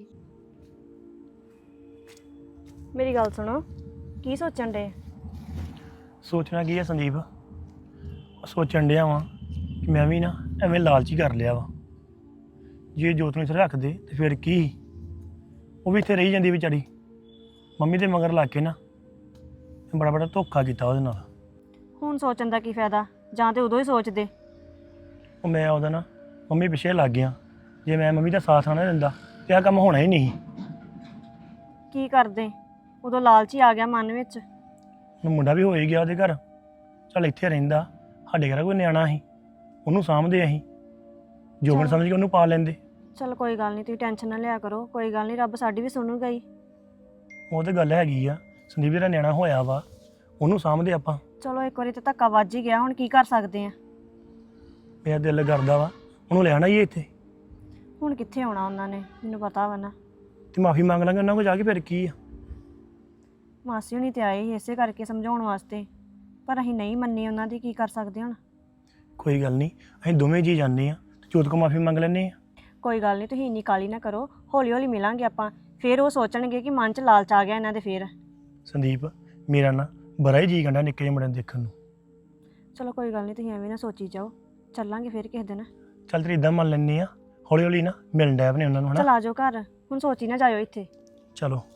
ਮੇਰੀ ਗੱਲ ਸੁਣੋ, ਕੀ ਸੋਚਣ ਡੇ?
ਸੋਚਣਾ ਕੀ ਹੈ ਸੰਦੀਪ, ਸੋਚਣ ਡਿਆ ਵਾਂ ਕਿ ਮੈਂ ਵੀ ਨਾ ਐਵੇਂ ਲਾਲਚੀ ਕਰ ਲਿਆ ਵਾ। ਜੇ ਜੋਤ ਨੂੰ ਇੱਥੇ ਰੱਖ ਦੇ ਤੇ ਫਿਰ ਕੀ, ਉਹ ਵੀ ਇੱਥੇ ਰਹੀ ਜਾਂਦੀ ਵਿਚਾਰੀ। ਮੰਮੀ ਦੇ ਮਗਰ ਲੱਗ ਕੇ ਨਾ ਬੜਾ ਬੜਾ ਧੋਖਾ ਕੀਤਾ ਉਹਦੇ ਨਾਲ।
ਹੁਣ ਸੋਚਣ ਦਾ ਕੀ ਫਾਇਦਾ, ਜਾਂ ਤੇ ਉਦੋਂ ਹੀ ਸੋਚਦੇ।
ਉਹ ਮੈਂ ਉਹਦਾ ਨਾ ਮੰਮੀ ਪਿੱਛੇ ਲੱਗ ਗਿਆ। ਜੇ ਮੈਂ ਮੰਮੀ ਦਾ ਸਾਥ ਨਾ ਦਿੰਦਾ ਤੇ ਆਹ ਕੰਮ ਹੋਣਾ ਹੀ ਨਹੀਂ।
ਕੀ ਕਰਦੇ, ਉਦੋਂ ਲਾਲਚ ਹੀ ਆ ਗਿਆ ਮਨ ਵਿੱਚ।
ਹੁਣ ਮੁੰਡਾ ਵੀ ਹੋ ਹੀ ਗਿਆ ਉਹਦੇ ਘਰ, ਚੱਲ ਇੱਥੇ ਰਹਿੰਦਾ, ਸਾਡੇ ਘਰ ਕੋਈ ਨਿਆਣਾ ਸੀ, ਉਹਨੂੰ ਸਾਂਭਦੇ ਅਸੀਂ, ਜੋਬਨ ਸਮਝ ਕੇ ਉਹਨੂੰ ਪਾ ਲੈਂਦੇ।
ਚਲ ਕੋਈ ਗੱਲ ਨਹੀਂ, ਤੁਸੀਂ ਟੈਨਸ਼ਨ ਨਾ ਲਿਆ ਕਰੋ, ਕੋਈ ਗੱਲ ਨਹੀਂ, ਰੱਬ ਸਾਡੀ ਵੀ ਸੁਣੂਗਾ ਹੀ।
ਉਹ ਤੇ ਗੱਲ ਹੈਗੀ ਆ, ਸੰਦੀਪ ਜਿਹੜਾ ਨਿਆਣਾ ਹੋਇਆ ਵਾ ਉਹਨੂੰ ਸਾਂਭਦੇ ਆਪਾਂ।
ਚਲੋ ਇੱਕ ਵਾਰੀ ਤਾਂ ਧੱਕਾ ਵੱਜ ਹੀ ਗਿਆ, ਹੁਣ ਕੀ ਕਰ ਸਕਦੇ ਆ।
ਮੇਰਾ ਦਿਲ ਕਰਦਾ ਵਾ ਉਹਨੂੰ ਲੈਣਾ ਹੀ ਇੱਥੇ,
ਹੁਣ ਕਿੱਥੇ ਆਉਣਾ ਉਹਨਾਂ ਨੇ, ਮੈਨੂੰ ਪਤਾ ਵਾ ਨਾ।
ਤੇ ਮਾਫੀ ਮੰਗ ਲਾਂਗੇ ਉਹਨਾਂ ਕੋਲ ਜਾ ਕੇ, ਫਿਰ ਕੀ ਆ।
ਮਾਸੀ ਹੁਣੀ ਤੇ ਆਏ ਸੀ ਇਸੇ ਕਰਕੇ ਸਮਝਾਉਣ ਵਾਸਤੇ, ਪਰ ਅਸੀਂ ਨਹੀਂ ਮੰਨੀ ਉਹਨਾਂ ਦੀ, ਕੀ ਕਰ ਸਕਦੇ ਹੁਣ।
ਕੋਈ ਗੱਲ ਨਹੀਂ, ਅਸੀਂ ਦੋਵੇਂ ਜੀ ਜਾਂਦੇ ਆ, ਜੋਤ ਕੋ ਮਾਫੀ ਮੰਗ ਲੈਂਦੇ ਆ।
ਕੋਈ ਗੱਲ ਨਹੀਂ, ਤੁਸੀਂ ਇੰਨੀ ਕਾਲੀ ਨਾ ਕਰੋ, ਹੌਲੀ ਹੌਲੀ ਮਿਲਾਂਗੇ ਆਪਾਂ। ਫਿਰ ਉਹ ਸੋਚਣਗੇ ਕਿ ਮਨ 'ਚ ਲਾਲਚ ਆ ਗਿਆ ਇਹਨਾਂ ਦੇ। ਫਿਰ
ਸੰਦੀਪ ਮੇਰਾ ਨਾ ਬੜਾ ਹੀ ਜੀ ਕੰਡਾ ਨਿੱਕੇ ਜਿਹੇ ਮੁੰਡੇ ਨੂੰ ਦੇਖਣ ਨੂੰ।
ਚਲੋ ਕੋਈ ਗੱਲ ਨਹੀਂ, ਤੁਸੀਂ ਐਵੇਂ ਨਾ ਸੋਚੀ ਜਾਓ, ਚੱਲਾਂਗੇ ਫਿਰ ਕਿਸੇ ਦਿਨ।
ਚੱਲ ਤੇਰੀ ਇਦਾਂ ਮੰਨ ਲੈਂਦੇ ਆ, ਹੌਲੀ ਹੌਲੀ ਨਾ ਮਿਲਣ ਡੈ ਪਨੇ ਉਹਨਾਂ ਨੂੰ,
ਚਲ
ਹਨਾ।
ਆ ਜਾਓ ਘਰ, ਹੁਣ ਸੋਚੀ ਨਾ ਜਾਇਓ ਇੱਥੇ।
ਚਲੋ